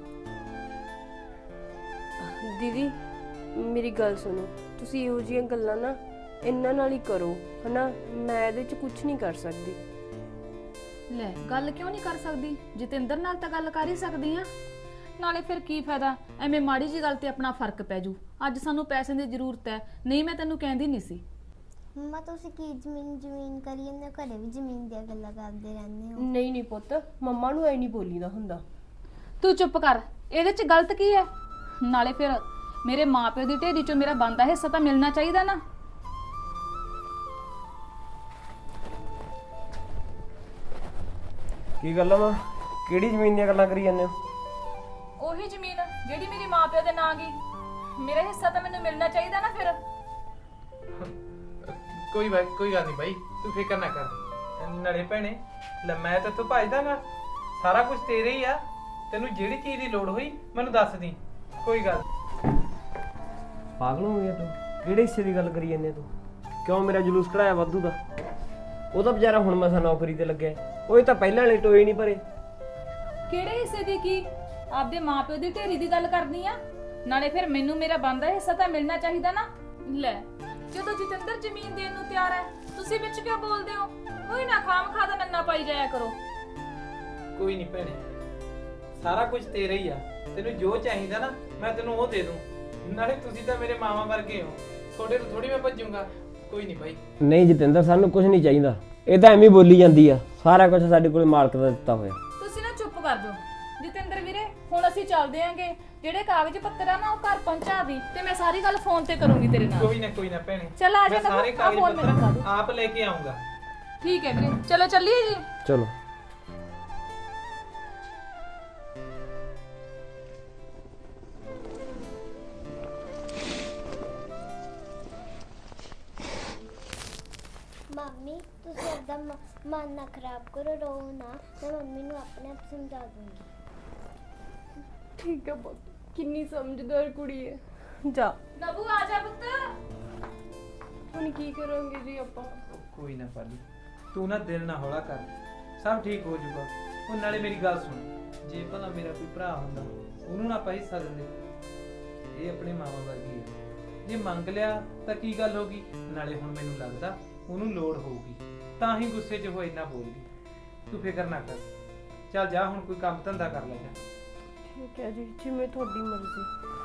Speaker 4: ਦੀਦੀ ਮੇਰੀ ਗੱਲ ਸੁਣੋ, ਤੁਸੀਂ ਇਹੋ ਜਿਹੀਆਂ ਗੱਲਾਂ ਨਾ ਇਹਨਾਂ ਨਾਲ ਹੀ ਕਰੋ, ਹਨਾ। ਮੈਂ ਇਹਦੇ 'ਚ ਕੁਝ ਨਹੀਂ ਕਰ ਸਕਦੀ।
Speaker 1: ਲੈ, ਗੱਲ ਕਿਉਂ ਨਹੀਂ ਕਰ ਸਕਦੀ? ਜਤਿੰਦਰ ਨਾਲ ਤਾਂ ਗੱਲ ਕਰ ਹੀ ਸਕਦੀ ਆ। ਨਾਲੇ ਫਿਰ ਕੀ ਫਾਇਦਾ, ਐਵੇਂ ਮਾੜੀ ਜੀ ਗੱਲ ਤੇ ਆਪਣਾ ਫਰਕ ਪੈ ਜੂ। ਅੱਜ ਸਾਨੂੰ ਪੈਸੇ ਦੀ ਜ਼ਰੂਰਤ ਹੈ, ਨਹੀਂ ਮੈਂ ਤੈਨੂੰ ਕਹਿੰਦੀ ਨਹੀਂ ਸੀ।
Speaker 2: ਮੰਮਾ ਤੁਸੀਂ ਕੀ ਜ਼ਮੀਨ ਜ਼ਮੀਨ ਕਰੀ ਜਾਂਦੇ ਹੋ? ਘਰੇ ਵੀ ਜ਼ਮੀਨ ਦੀਆਂ ਗੱਲਾਂ ਕਰਦੇ ਰਹਿੰਦੇ ਹੋ।
Speaker 4: ਨਹੀਂ ਨਹੀਂ ਪੁੱਤ, ਮੰਮਾ ਨੂੰ ਐ ਨਹੀਂ ਬੋਲੀਦਾ ਹੁੰਦਾ।
Speaker 1: ਤੂੰ ਚੁੱਪ ਕਰ, ਇਹਦੇ 'ਚ ਗਲਤ ਕੀ ਹੈ? ਨਾਲੇ ਫਿਰ ਮੇਰੇ ਮਾਪਿਓ ਦੀ ਢੇਰੀ 'ਚੋਂ ਮੇਰਾ ਬਣਦਾ ਹਿੱਸਾ ਤਾਂ ਮਿਲਣਾ ਚਾਹੀਦਾ ਨਾ।
Speaker 3: ਕੀ ਗੱਲ ਆ ਮਾਂ, ਕਿਹੜੀ ਜ਼ਮੀਨ ਦੀਆਂ ਗੱਲਾਂ ਕਰੀ ਜਾਂਦੇ ਹੋ?
Speaker 1: ਉਹੀ ਜ਼ਮੀਨ ਜਿਹੜੀ ਮੇਰੇ ਮਾਪਿਓ ਦੇ ਨਾਂ ਗਈ, ਮੇਰਾ ਹਿੱਸਾ ਤਾਂ ਮੈਨੂੰ ਮਿਲਣਾ ਚਾਹੀਦਾ ਨਾ ਫਿਰ।
Speaker 5: ਕੋਈ ਬਾਈ ਕੋਈ ਗੱਲ ਨਹੀਂ ਬਾਈ, ਤੂੰ ਫਿਕਰ ਨਾ ਕਰ। ਨਾਲੇ ਭੈਣੇ ਲੈ ਮੈਂ ਤਾਂ ਤੂੰ ਭਜਦਾਗਾ, ਸਾਰਾ ਕੁਝ ਤੇਰੇ ਹੀ ਆ। ਤੈਨੂੰ ਜਿਹੜੀ ਚੀਜ਼ ਦੀ ਲੋੜ ਹੋਈ ਮੈਨੂੰ ਦੱਸ ਦੀ, ਕੋਈ ਗੱਲ।
Speaker 3: ਪਾਗਲ ਹੋ ਗਿਆ ਤੂੰ? ਕਿਹੜੇ ਹਿੱਸੇ ਦੀ ਗੱਲ ਕਰੀ ਜਾਂਦੇ ਤੂੰ? ਕਿਉਂ ਮੇਰਾ ਜਲੂਸ ਕਢਾਇਆ ਵਾਧੂ ਦਾ? ਉਹ ਤਾਂ ਵਿਚਾਰਾ ਹੁਣ ਮਸਾਂ ਨੌਕਰੀ ਤੇ ਲੱਗਿਆ, ਉਹ ਤਾਂ ਪਹਿਲਾਂ ਵਾਲੇ ਟੋਏ ਨਹੀਂ ਭਰੇ।
Speaker 1: ਕਿਹੜੇ ਹਿੱਸੇ ਦੀ ਕੀ? ਆਪਦੇ ਮਾਪਿਓ ਦੀ ਢੇਰੀ ਦੀ ਗੱਲ ਕਰਨੀ ਆ। ਨਾਲੇ ਫਿਰ ਮੈਨੂੰ ਮੇਰਾ ਬਣਦਾ ਹਿੱਸਾ ਤਾਂ ਮਿਲਣਾ ਚਾਹੀਦਾ ਨਾ। ਲੈ, ਜਦੋਂ ਜਤਿੰਦਰ ਜ਼ਮੀਨ ਦੇਣ ਨੂੰ ਤਿਆਰ ਹੈ, ਤੁਸੀਂ ਵਿੱਚ ਕਿਉਂ ਬੋਲਦੇ ਹੋ? ਕੋਈ ਨਾ ਖਾਮ ਖਾ ਦਾ ਨੰਨਾ ਪਾਈ ਜਾਇਆ ਕਰੋ।
Speaker 5: ਕੋਈ ਨਹੀਂ ਭੈਣੇ, ਸਾਰਾ ਕੁਝ ਤੇਰਾ ਹੀ ਆ। ਤੈਨੂੰ ਜੋ ਚਾਹੀਦਾ ਨਾ ਮੈਂ ਤੈਨੂੰ ਉਹ ਦੇ ਦੂੰ। ਨਾਲੇ ਤੁਸੀਂ ਤਾਂ ਮੇਰੇ ਮਾਮਾ ਵਰਗੇ ਹੋ, ਤੁਹਾਡੇ ਤੋਂ ਥੋੜੀ ਮੈਂ ਭੱਜੂਗਾ। ਕੋਈ ਨਹੀਂ ਬਾਈ।
Speaker 3: ਨਹੀਂ ਜਤਿੰਦਰ, ਸਾਨੂੰ ਕੁਝ ਨਹੀਂ ਚਾਹੀਦਾ। ਇਹ ਤਾਂ ਐਵੇਂ ਬੋਲੀ ਜਾਂਦੀ ਆ, ਸਾਰਾ ਕੁਝ ਸਾਡੇ ਕੋਲ ਮਾਲਕ ਦਾ ਦਿੱਤਾ ਹੋਇਆ।
Speaker 1: ਤੁਸੀਂ ਨਾ ਚੁੱਪ ਕਰ ਜਾਓ। ਜਤਿੰਦਰ ਵੀਰੇ, ਹੁਣ ਅਸੀਂ ਚੱਲਦੇ ਆਂਗੇ। ਜਿਹੜੇ ਕਾਗਜ਼ ਪੱਤਰ ਆ ਨਾ ਉਹ ਘਰ ਪਹੁੰਚਾ ਦੀ, ਤੇ ਮੈਂ ਸਾਰੀ ਗੱਲ ਫੋਨ ਤੇ ਕਰੂੰਗੀ ਤੇਰੇ ਨਾਲ।
Speaker 5: ਕੋਈ ਨਾ ਕੋਈ ਨਾ ਭੈਣੇ,
Speaker 1: ਚੱਲ ਆ ਜਾ
Speaker 5: ਮੈਂ
Speaker 1: ਨਾ,
Speaker 5: ਸਾਰੇ
Speaker 1: ਆਹ
Speaker 5: ਕਾਗਜ਼
Speaker 1: ਫੋਨ ਮੈਨੂੰ ਦਿਖਾ
Speaker 5: ਪੱਤਰ
Speaker 1: ਦਿਓ।
Speaker 5: ਆਪ ਲੈ ਕੇ ਆਉਂਗਾ।
Speaker 1: ਠੀਕ ਹੈ ਵੀਰੇ, ਚਲੋ ਚੱਲੀਏ ਜੀ।
Speaker 3: ਚਲੋ।
Speaker 2: ਮੰਮੀ ਤੁਸੀਂ ਏਦਾਂ ਮ- ਮਨ ਨਾ ਖਰਾਬ ਕਰੋ, ਰੋ ਨਾ। ਮੈਂ ਮੰਮੀ ਨੂੰ ਆਪਣੇ ਆਪ ਸਮਝਾ ਦੂੰਗੀ।
Speaker 4: ਠੀਕ ਹੈ ਪੁੱਤ, ਕਿੰਨੀ ਸਮਝਦਾਰ ਕੁੜੀ ਹੈ। ਜਾ,
Speaker 1: ਨਬੂ ਆ ਜਾ ਪੁੱਤ।
Speaker 4: ਹੁਣ ਕੀ ਕਰਾਂਗੇ ਜੀ ਆਪਾਂ?
Speaker 5: ਕੋਈ ਨਾ ਪਾਲੀ, ਤੂੰ ਨਾ ਦਿਲ ਨਾ ਹੌਲਾ ਕਰ, ਸਭ ਠੀਕ ਹੋ ਜਾਊਗਾ। ਉਹ ਨਾਲੇ ਮੇਰੀ ਗੱਲ ਸੁਣ, ਜੇ ਭਲਾ ਮੇਰਾ ਕੋਈ ਭਰਾ ਹੁੰਦਾ ਉਹਨੂੰ ਨਾ ਆਪਾਂ ਹਿੱਸਾ ਦਿੰਦੇ। ਇਹ ਆਪਣੇ ਮਾਮਾ ਵਰਗੀ ਹੈ, ਜੇ ਮੰਗ ਲਿਆ ਤਾਂ ਕੀ ਗੱਲ ਹੋ ਗਈ। ਨਾਲੇ ਹੁਣ ਮੈਨੂੰ ਲੱਗਦਾ ਉਹਨੂੰ ਲੋੜ ਹੋਊਗੀ, ਤਾਂ ਹੀ ਗੁੱਸੇ 'ਚ ਉਹ ਇੰਨਾ ਬੋਲ ਗਈ। ਤੂੰ ਫਿਕਰ ਨਾ ਕਰ, ਚੱਲ ਜਾ ਹੁਣ ਕੋਈ ਕੰਮ ਧੰਦਾ ਕਰ ਲੈ ਜਾ।
Speaker 4: ਠੀਕ ਹੈ ਜੀ, ਜਿਵੇਂ ਤੁਹਾਡੀ ਮਰਜ਼ੀ।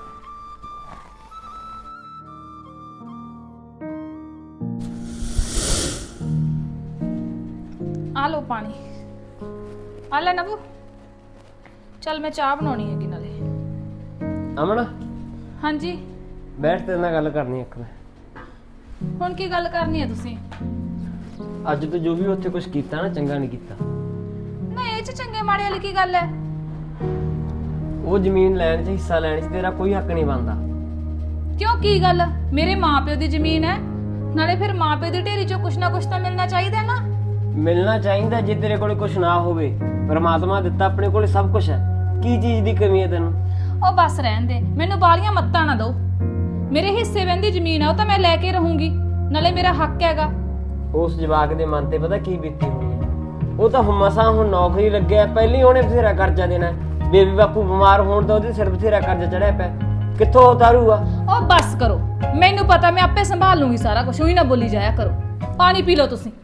Speaker 1: ਆ ਲਓ ਪਾਣੀ। ਆ ਲੈ ਨਬੂ, ਚੱਲ ਮੈਂ ਚਾਹ ਬਣਾਉਣੀ ਹੈਗੀ ਨਾਲੇ।
Speaker 3: ਅਮਨ,
Speaker 1: ਹਾਂਜੀ,
Speaker 3: ਬੈਠ, ਤੇਰੇ ਨਾਲ ਗੱਲ ਕਰਨੀ ਇੱਕ ਮੈਂ।
Speaker 1: ਹੁਣ ਕੀ ਗੱਲ ਕਰਨੀ ਹੈ ਤੁਸੀਂ?
Speaker 3: ਅੱਜ ਤੋਂ ਜੋ ਵੀ ਉੱਥੇ ਕੁਝ ਕੀਤਾ ਨਾ, ਚੰਗਾ ਨਹੀਂ ਕੀਤਾ।
Speaker 1: ਨਾ ਇਹ ਚ ਚੰਗੇ ਮਾੜੇ ਵਾਲੀ ਕੀ ਗੱਲ ਹੈ?
Speaker 3: ਉਹ ਜ਼ਮੀਨ ਲੈਣ 'ਚ, ਹਿੱਸਾ ਲੈਣ 'ਚ ਤੇਰਾ ਕੋਈ ਹੱਕ ਨਹੀਂ ਬਣਦਾ।
Speaker 1: ਕਿਉਂ, ਕੀ ਗੱਲ? ਮੇਰੇ ਮਾਪਿਓ ਦੀ ਜ਼ਮੀਨ ਹੈ, ਨਾਲੇ ਫਿਰ ਮਾਪਿਓ ਦੀ ਢੇਰੀ ਚੋਂ ਕੁਛ ਨਾ ਕੁਛ ਤਾਂ ਮਿਲਣਾ ਚਾਹੀਦਾ ਨਾ।
Speaker 3: ਮਿਲਣਾ ਚਾਹੀਦਾ। ਜੇ ਤੇਰੇ ਕੋਲ ਕੁਝ ਨਾ ਹੋਵੇ, ਪਰਮਾਤਮਾ ਦਿੱਤਾ ਆਪਣੇ ਕੋਲ ਸਭ ਕੁਝ ਹੈ, ਕੀ ਚੀਜ਼ ਦੀ ਕਮੀ ਹੈ ਤੈਨੂੰ?
Speaker 1: ਉਹ ਬਸ ਰਹਿਣ ਦੇ, ਮੈਨੂੰ ਬਾਲੀਆਂ ਮੱਤਾਂ ਨਾ ਦਿਓ। ਮੇਰੇ ਹਿੱਸੇ ਵੰਦੀ ਜ਼ਮੀਨ ਆ, ਉਹ ਤਾਂ ਮੈਂ ਲੈ ਕੇ ਰਹੂੰਗੀ, ਨਾਲੇ ਮੇਰਾ ਹੱਕ ਹੈਗਾ।
Speaker 3: ਉਸ ਜਵਾਕ ਦੇ ਮਨ ਤੇ ਪਤਾ ਕੀ ਬੀਤੀ ਹੋਣੀ ਹੈ? ਉਹ ਤਾਂ ਮਸਾਂ ਹੁਣ ਨੌਕਰੀ ਲੱਗਿਆ, ਪਹਿਲੀ ਉਹਨੇ ਬਥੇਰਾ ਕਰਜ਼ਾ ਦੇਣਾ। ਬੇਬੀ ਬਾਪੂ ਬਿਮਾਰ ਹੋਣ ਦਾ ਉਹਦੇ ਸਿਰ ਬਥੇਰਾ ਕਰਜ਼ਾ ਚੜਿਆ ਪਿਆ, ਕਿੱਥੋਂ ਉਤਾਰੂਗਾ?
Speaker 1: ਉਹ ਬਸ ਕਰੋ, ਮੈਨੂੰ ਪਤਾ, ਮੈਂ ਆਪੇ ਸੰਭਾਲ ਲੂੰਗੀ ਸਾਰਾ ਕੁਝ। ਉਹੀ ਨਾ ਬੋਲੀ ਜਾਇਆ ਕਰੋ। ਪਾਣੀ ਪੀ ਲਓ ਤੁਸੀਂ।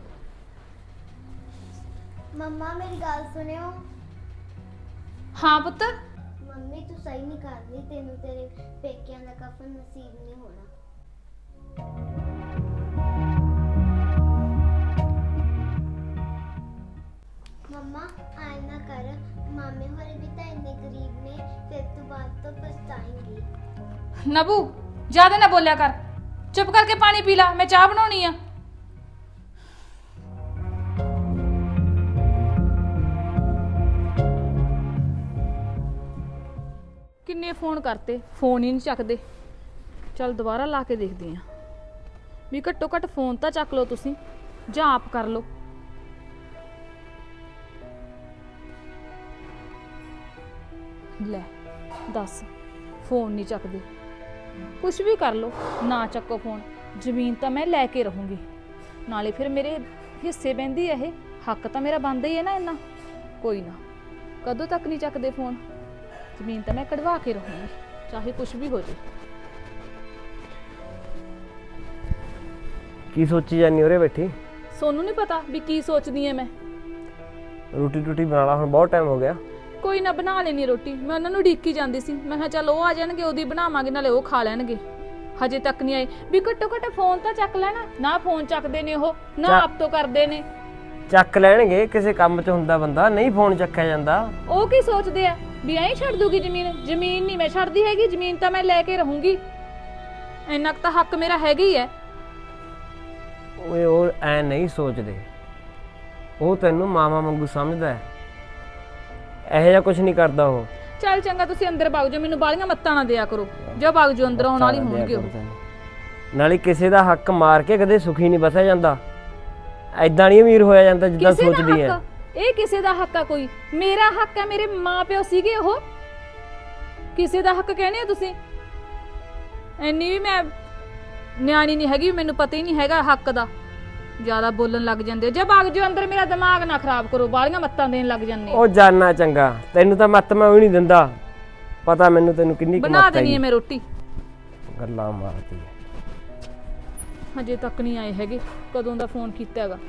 Speaker 2: ਮੰਮਾ ਮੇਰੀ ਗੱਲ ਸੁਣਿਓ।
Speaker 1: ਹਾਂ ਪੁੱਤ।
Speaker 2: ਮੰਮੀ ਤੂੰ ਸਹੀ ਨਹੀਂ ਕਰਦੀ, ਤੈਨੂੰ ਤੇਰੇ ਪੇਕਿਆਂ ਦਾ ਕਫਨ ਨਸੀਬ ਨਹੀਂ ਹੋਣਾ। ਮੰਮਾ ਆਏ ਨਾ ਕਰ, ਮਾਮੇ ਹੋਰੇ ਵੀ ਤਾਂ ਇੰਨੇ ਗਰੀਬ ਨੇ, ਫਿਰ ਤੂੰ ਬਾਅਦ ਤੋਂ ਪਛਤਾਏਂਗੀ।
Speaker 1: ਨਬੂ, ਜ਼ਿਆਦਾ ਨਾ ਬੋਲਿਆ ਕਰ, ਚੁੱਪ ਕਰਕੇ ਪਾਣੀ ਪੀ ਲਾ, ਮੈਂ ਚਾਹ ਬਣਾਉਣੀ ਆ। ਕਿੰਨੇ ਫੋਨ ਕਰਤੇ, ਫੋਨ ਹੀ ਨਹੀਂ ਚੱਕਦੇ। ਚੱਲ ਦੁਬਾਰਾ ਲਾ ਕੇ ਦੇਖਦੇ ਆ ਵੀ ਘੱਟੋ ਘੱਟ ਫੋਨ ਤਾਂ ਚੱਕ ਲਓ ਤੁਸੀਂ, ਜਾਂ ਆਪ ਕਰ ਲਓ। ਲੈ ਦੱਸ, ਫੋਨ ਨਹੀਂ ਚੱਕਦੇ। ਕੁਛ ਵੀ ਕਰ ਲਓ, ਨਾ ਚੱਕੋ ਫੋਨ। ਜ਼ਮੀਨ ਤਾਂ ਮੈਂ ਲੈ ਕੇ ਰਹੂੰਗੀ, ਨਾਲੇ ਫਿਰ ਮੇਰੇ ਹਿੱਸੇ ਬਹਿੰਦੀ ਹੈ ਇਹ, ਹੱਕ ਤਾਂ ਮੇਰਾ ਬਣਦਾ ਹੀ ਹੈ ਨਾ ਇੰਨਾ। ਕੋਈ ਨਾ, ਕਦੋਂ ਤੱਕ ਨਹੀਂ ਚੱਕਦੇ ਫੋਨ। ਜ਼ਮੀਨ ਤਾਂ ਮੈਂ ਕਢਵਾ ਕੇ ਰਹੂੰਗੀ, ਚਾਹੇ ਕੁਛ ਵੀ ਹੋ ਜੇ।
Speaker 3: ਕੀ ਸੋਚੀ ਜਾਨੀ ਉਰੇ ਬੈਠੀ?
Speaker 1: ਸੋਨੂੰ ਨਹੀਂ ਪਤਾ ਵੀ ਕੀ ਸੋਚਦੀ ਐ ਮੈਂ।
Speaker 3: ਰੋਟੀ ਟੂਟੀ ਬਣਾ ਲਾ, ਹੁਣ ਬਹੁਤ ਟਾਈਮ ਹੋ ਗਿਆ।
Speaker 1: ਕੋਈ ਨਾ, ਬਣਾ ਲੈਣੀ ਰੋਟੀ। ਮੈਂ ਉਹਨਾਂ ਨੂੰ ਢੀਕੀ ਜਾਂਦੀ ਸੀ, ਮੈਂ ਕਿਹਾ ਚੱਲ ਉਹ ਆ ਜਾਣਗੇ, ਉਹਦੀ ਬਣਾਵਾਂਗੇ, ਨਾਲੇ ਉਹ ਖਾ ਲੈਣਗੇ। ਹਜੇ ਤੱਕ ਨਹੀਂ ਆਏ ਵੀ ਘੱਟੋ ਘੱਟ ਫੋਨ ਤਾਂ ਚੱਕ ਲੈਣਾ ਨਾ ਫੋਨ ਚੱਕਦੇ ਨੇ ਉਹ ਨਾ
Speaker 3: ਚੱਕ-
Speaker 1: ਆਪ ਤੋਂ ਕਰਦੇ ਨੇ
Speaker 3: ਚੱਕ ਲੈਣਗੇ, ਕਿਸੇ ਕੰਮ 'ਚ ਹੁੰਦਾ ਬੰਦਾ, ਨਹੀਂ ਫੋਨ ਚੱਕਿਆ ਜਾਂਦਾ।
Speaker 1: ਉਹ ਕੀ ਸੋਚਦੇ ਆ ਵੀ ਐਂ ਛੱਡ ਦੂਗੀ ਜ਼ਮੀਨ ਜ਼ਮੀਨ ਨਹੀਂ ਮੈਂ ਛੱਡਦੀ ਹੈਗੀ ਜ਼ਮੀਨ ਤਾਂ ਮੈਂ ਲੈ ਕੇ ਰਹੂੰਗੀ ਇੰਨਾ ਕੁ ਤਾਂ ਹੱਕ ਮੇਰਾ ਹੈਗਾ ਹੀ ਹੈ
Speaker 3: ਓਏ ਉਹ ਐ ਨਹੀਂ ਸੋਚਦੇ, ਉਹ ਤੈਨੂੰ ਮਾਮਾ ਵਾਂਗੂ ਸਮਝਦਾ ਹੈ, ਇਹੋ ਜਿਹਾ ਕੁਝ ਨਹੀਂ ਕਰਦਾ ਉਹ।
Speaker 1: ਚੱਲ ਚੰਗਾ ਤੁਸੀਂ ਅੰਦਰ ਵਗ ਜਾਓ ਮੈਨੂੰ ਬਾਲੀਆਂ ਮੱਤਾਂ ਨਾ ਦਿਆ ਕਰੋ ਜੋ ਵਗ ਜਾਓ ਅੰਦਰ ਆਉਣ ਵਾਲੀ ਹੋਣਗੇ ਉਹ
Speaker 3: ਨਾਲੇ ਕਿਸੇ ਦਾ ਹੱਕ ਮਾਰ ਕੇ ਕਦੇ ਸੁਖੀ ਨਹੀਂ ਬਸਿਆ ਜਾਂਦਾ, ਐਦਾਂ ਨਹੀਂ ਅਮੀਰ ਹੋਇਆ ਜਾਂਦਾ ਜਿੱਦਾਂ
Speaker 1: ਕਿਸੇ ਦਾ
Speaker 3: ਸੋਚਦੀ ਹੈ।
Speaker 1: ਹੱਕ? ਇਹ ਕਿਸੇ ਦਾ ਹੱਕ ਆ ਕੋਈ? ਮੇਰਾ ਹੱਕ ਹੈ, ਮੇਰੇ ਮਾਪਿਓ ਸੀਗੇ ਉਹ, ਕਿਸੇ ਦਾ ਹੱਕ ਕਹਿੰਦੇ ਹੋ ਤੁਸੀਂ? ਇੰਨੀ ਵੀ ਮੈਂ ਨਿਆਣੀ ਨਹੀਂ ਹੈਗੀ, ਮੈਨੂੰ ਪਤਾ ਹੀ ਨਹੀਂ ਹੈਗਾ ਹੱਕ ਦਾ, ਜ਼ਿਆਦਾ ਬੋਲਣ ਲੱਗ ਜਾਂਦੇ ਹੋ। ਜੇ ਵਗ ਜਾਓ ਅੰਦਰ, ਮੇਰਾ ਦਿਮਾਗ ਨਾ ਖਰਾਬ ਕਰੋ, ਬਾਲੀਆਂ ਮੱਤਾਂ ਦੇਣ ਲੱਗ ਜਾਂਦੇ
Speaker 3: ਉਹ ਜਾਨਣਾ ਚੰਗਾ, ਤੈਨੂੰ ਤਾਂ ਮੱਤ ਮੈਂ ਵੀ ਨਹੀਂ ਦਿੰਦਾ, ਪਤਾ ਮੈਨੂੰ ਤੈਨੂੰ ਕਿੰਨੀ ਕੁ
Speaker 1: ਬਣਾ
Speaker 3: ਮੱਤ
Speaker 1: ਦੇਣੀ
Speaker 3: ਹੈ।
Speaker 1: ਹੈ ਮੈਂ ਰੋਟੀ,
Speaker 3: ਗੱਲਾਂ ਮਾਰਦੀ ਹੈ।
Speaker 1: ਹਜੇ ਤੱਕ ਨਹੀਂ ਆਏ ਹੈਗੇ, ਕਦੋਂ ਦਾ ਫੋਨ ਕੀਤਾ ਹੈਗਾ।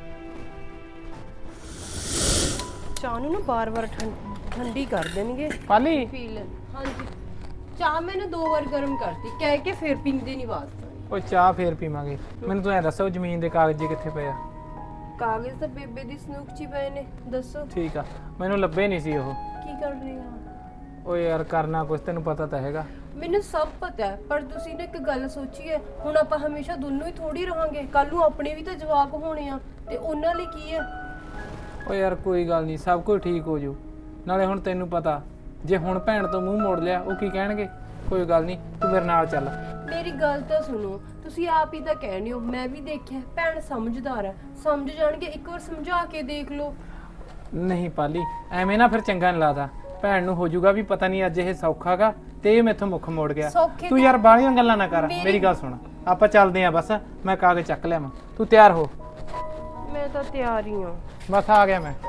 Speaker 4: ਚਾਹ ਨੂੰ ਨਾ ਬਾਰ-ਬਾਰ ਠੰਡੀ ਕਰ ਦੇਣਗੇ।
Speaker 5: ਪਾਲੀ
Speaker 4: ਪੀ ਲੈ। ਹਾਂਜੀ ਚਾਹ ਮੈंने ਦੋ ਵਾਰ ਗਰਮ ਕਰਤੀ ਕਹਿ ਕੇ ਫਿਰ ਪੀਂਦੇ ਨਹੀਂ ਵਾਸਤਾ।
Speaker 5: ਉਹ ਚਾਹ ਫੇਰ ਪੀਵਾਂਗੇ। ਮੈਨੂੰ ਤੂੰ ਐ ਦੱਸੋ ਜ਼ਮੀਨ ਦੇ ਕਾਗਜ਼ ਜੇ ਕਿੱਥੇ ਪਏ ਆ?
Speaker 4: ਕਾਗਜ਼ ਤਾਂ ਬੇਬੇ ਦੀ ਸਨੂਕ ਚ ਹੀ ਪਏ ਨੇ। ਦੱਸੋ
Speaker 5: ਠੀਕ ਆ, ਮੈਨੂੰ ਲੱਭੇ ਨਹੀਂ ਸੀ ਉਹ।
Speaker 4: ਕੀ ਕਰ ਰਹੇ ਆ?
Speaker 5: ਓ ਯਾਰ ਕਰਨਾ ਕੁਛ, ਤੈਨੂੰ ਪਤਾ ਤਾਂ ਹੈਗਾ।
Speaker 4: ਮੈਨੂੰ ਸਭ ਪਤਾ ਹੈ, ਪਰ ਤੁਸੀਂ ਨਾ ਇੱਕ ਗੱਲ ਸੋਚੀਏ, ਹੁਣ ਆਪਾਂ ਹਮੇਸ਼ਾ ਦੋਨੋਂ ਹੀ ਥੋੜੀ ਰਹਾਂਗੇ, ਕੱਲ ਨੂੰ ਆਪਣੇ ਵੀ ਤਾਂ ਜਵਾਕ ਹੋਣੇ ਆ, ਤੇ ਉਹਨਾਂ ਲਈ ਕੀ ਹੈ?
Speaker 5: ਓ ਯਾਰ ਕੋਈ ਗੱਲ ਨਹੀਂ, ਸਭ ਕੁਝ ਠੀਕ ਹੋ ਜੂ। ਨਾਲੇ ਹੁਣ ਤੈਨੂੰ ਪਤਾ, ਜੇ ਹੁਣ ਭੈਣ ਤੋਂ ਮੂੰਹ ਮੋੜ ਲਿਆ ਉਹ ਕੀ ਕਹਿਣਗੇ? ਕੋਈ ਗੱਲ ਨਹੀਂ, ਤੂੰ ਮੇਰੇ ਨਾਲ ਚੱਲ।
Speaker 4: ਮੇਰੀ ਗੱਲ ਤਾਂ ਸੁਣੋ, ਤੁਸੀਂ ਆਪ ਹੀ ਤਾਂ ਕਹਿਣੇ ਹੋ, ਮੈਂ ਵੀ ਦੇਖਿਆ ਭੈਣ ਸਮਝਦਾਰ ਹੈ, ਸਮਝ ਜਾਣਗੇ, ਇੱਕ ਵਾਰ ਸਮਝਾ ਕੇ ਦੇਖ ਲਓ।
Speaker 5: ਨਹੀਂ ਪਾਲੀ, ਐਵੇਂ ਨਾ ਫਿਰ ਚੰਗਾ ਨਹੀਂ ਲੱਗਦਾ। ਭੈਣ ਨੂੰ ਹੋ ਜਾਊਗਾ ਵੀ ਪਤਾ ਨਹੀਂ ਅੱਜ ਇਹ ਸੌਖਾਗਾ ਤੇ ਇਹ ਮੈਥੋਂ ਮੁੱਖ ਮੋੜ ਗਿਆ।
Speaker 4: ਸੌਖੇ
Speaker 5: ਤੂੰ ਯਾਰ ਬਾਹਲੀਆਂ ਗੱਲਾਂ ਨਾ ਕਰ,
Speaker 4: ਮੇਰੀ-
Speaker 5: ਮੇਰੀ ਗੱਲ ਸੁਣ, ਆਪਾਂ ਚੱਲਦੇ ਆਂ ਬਸ। ਮੈਂ ਕਾਗਜ਼ ਚੱਕ ਲਿਆਵਾਂ, ਤੂੰ ਤਿਆਰ ਹੋ।
Speaker 4: ਮੈਂ ਤਾਂ ਤਿਆਰ ਹੀ ਹਾਂ।
Speaker 5: ਬਸ ਆ ਗਿਆ ਮੈਂ।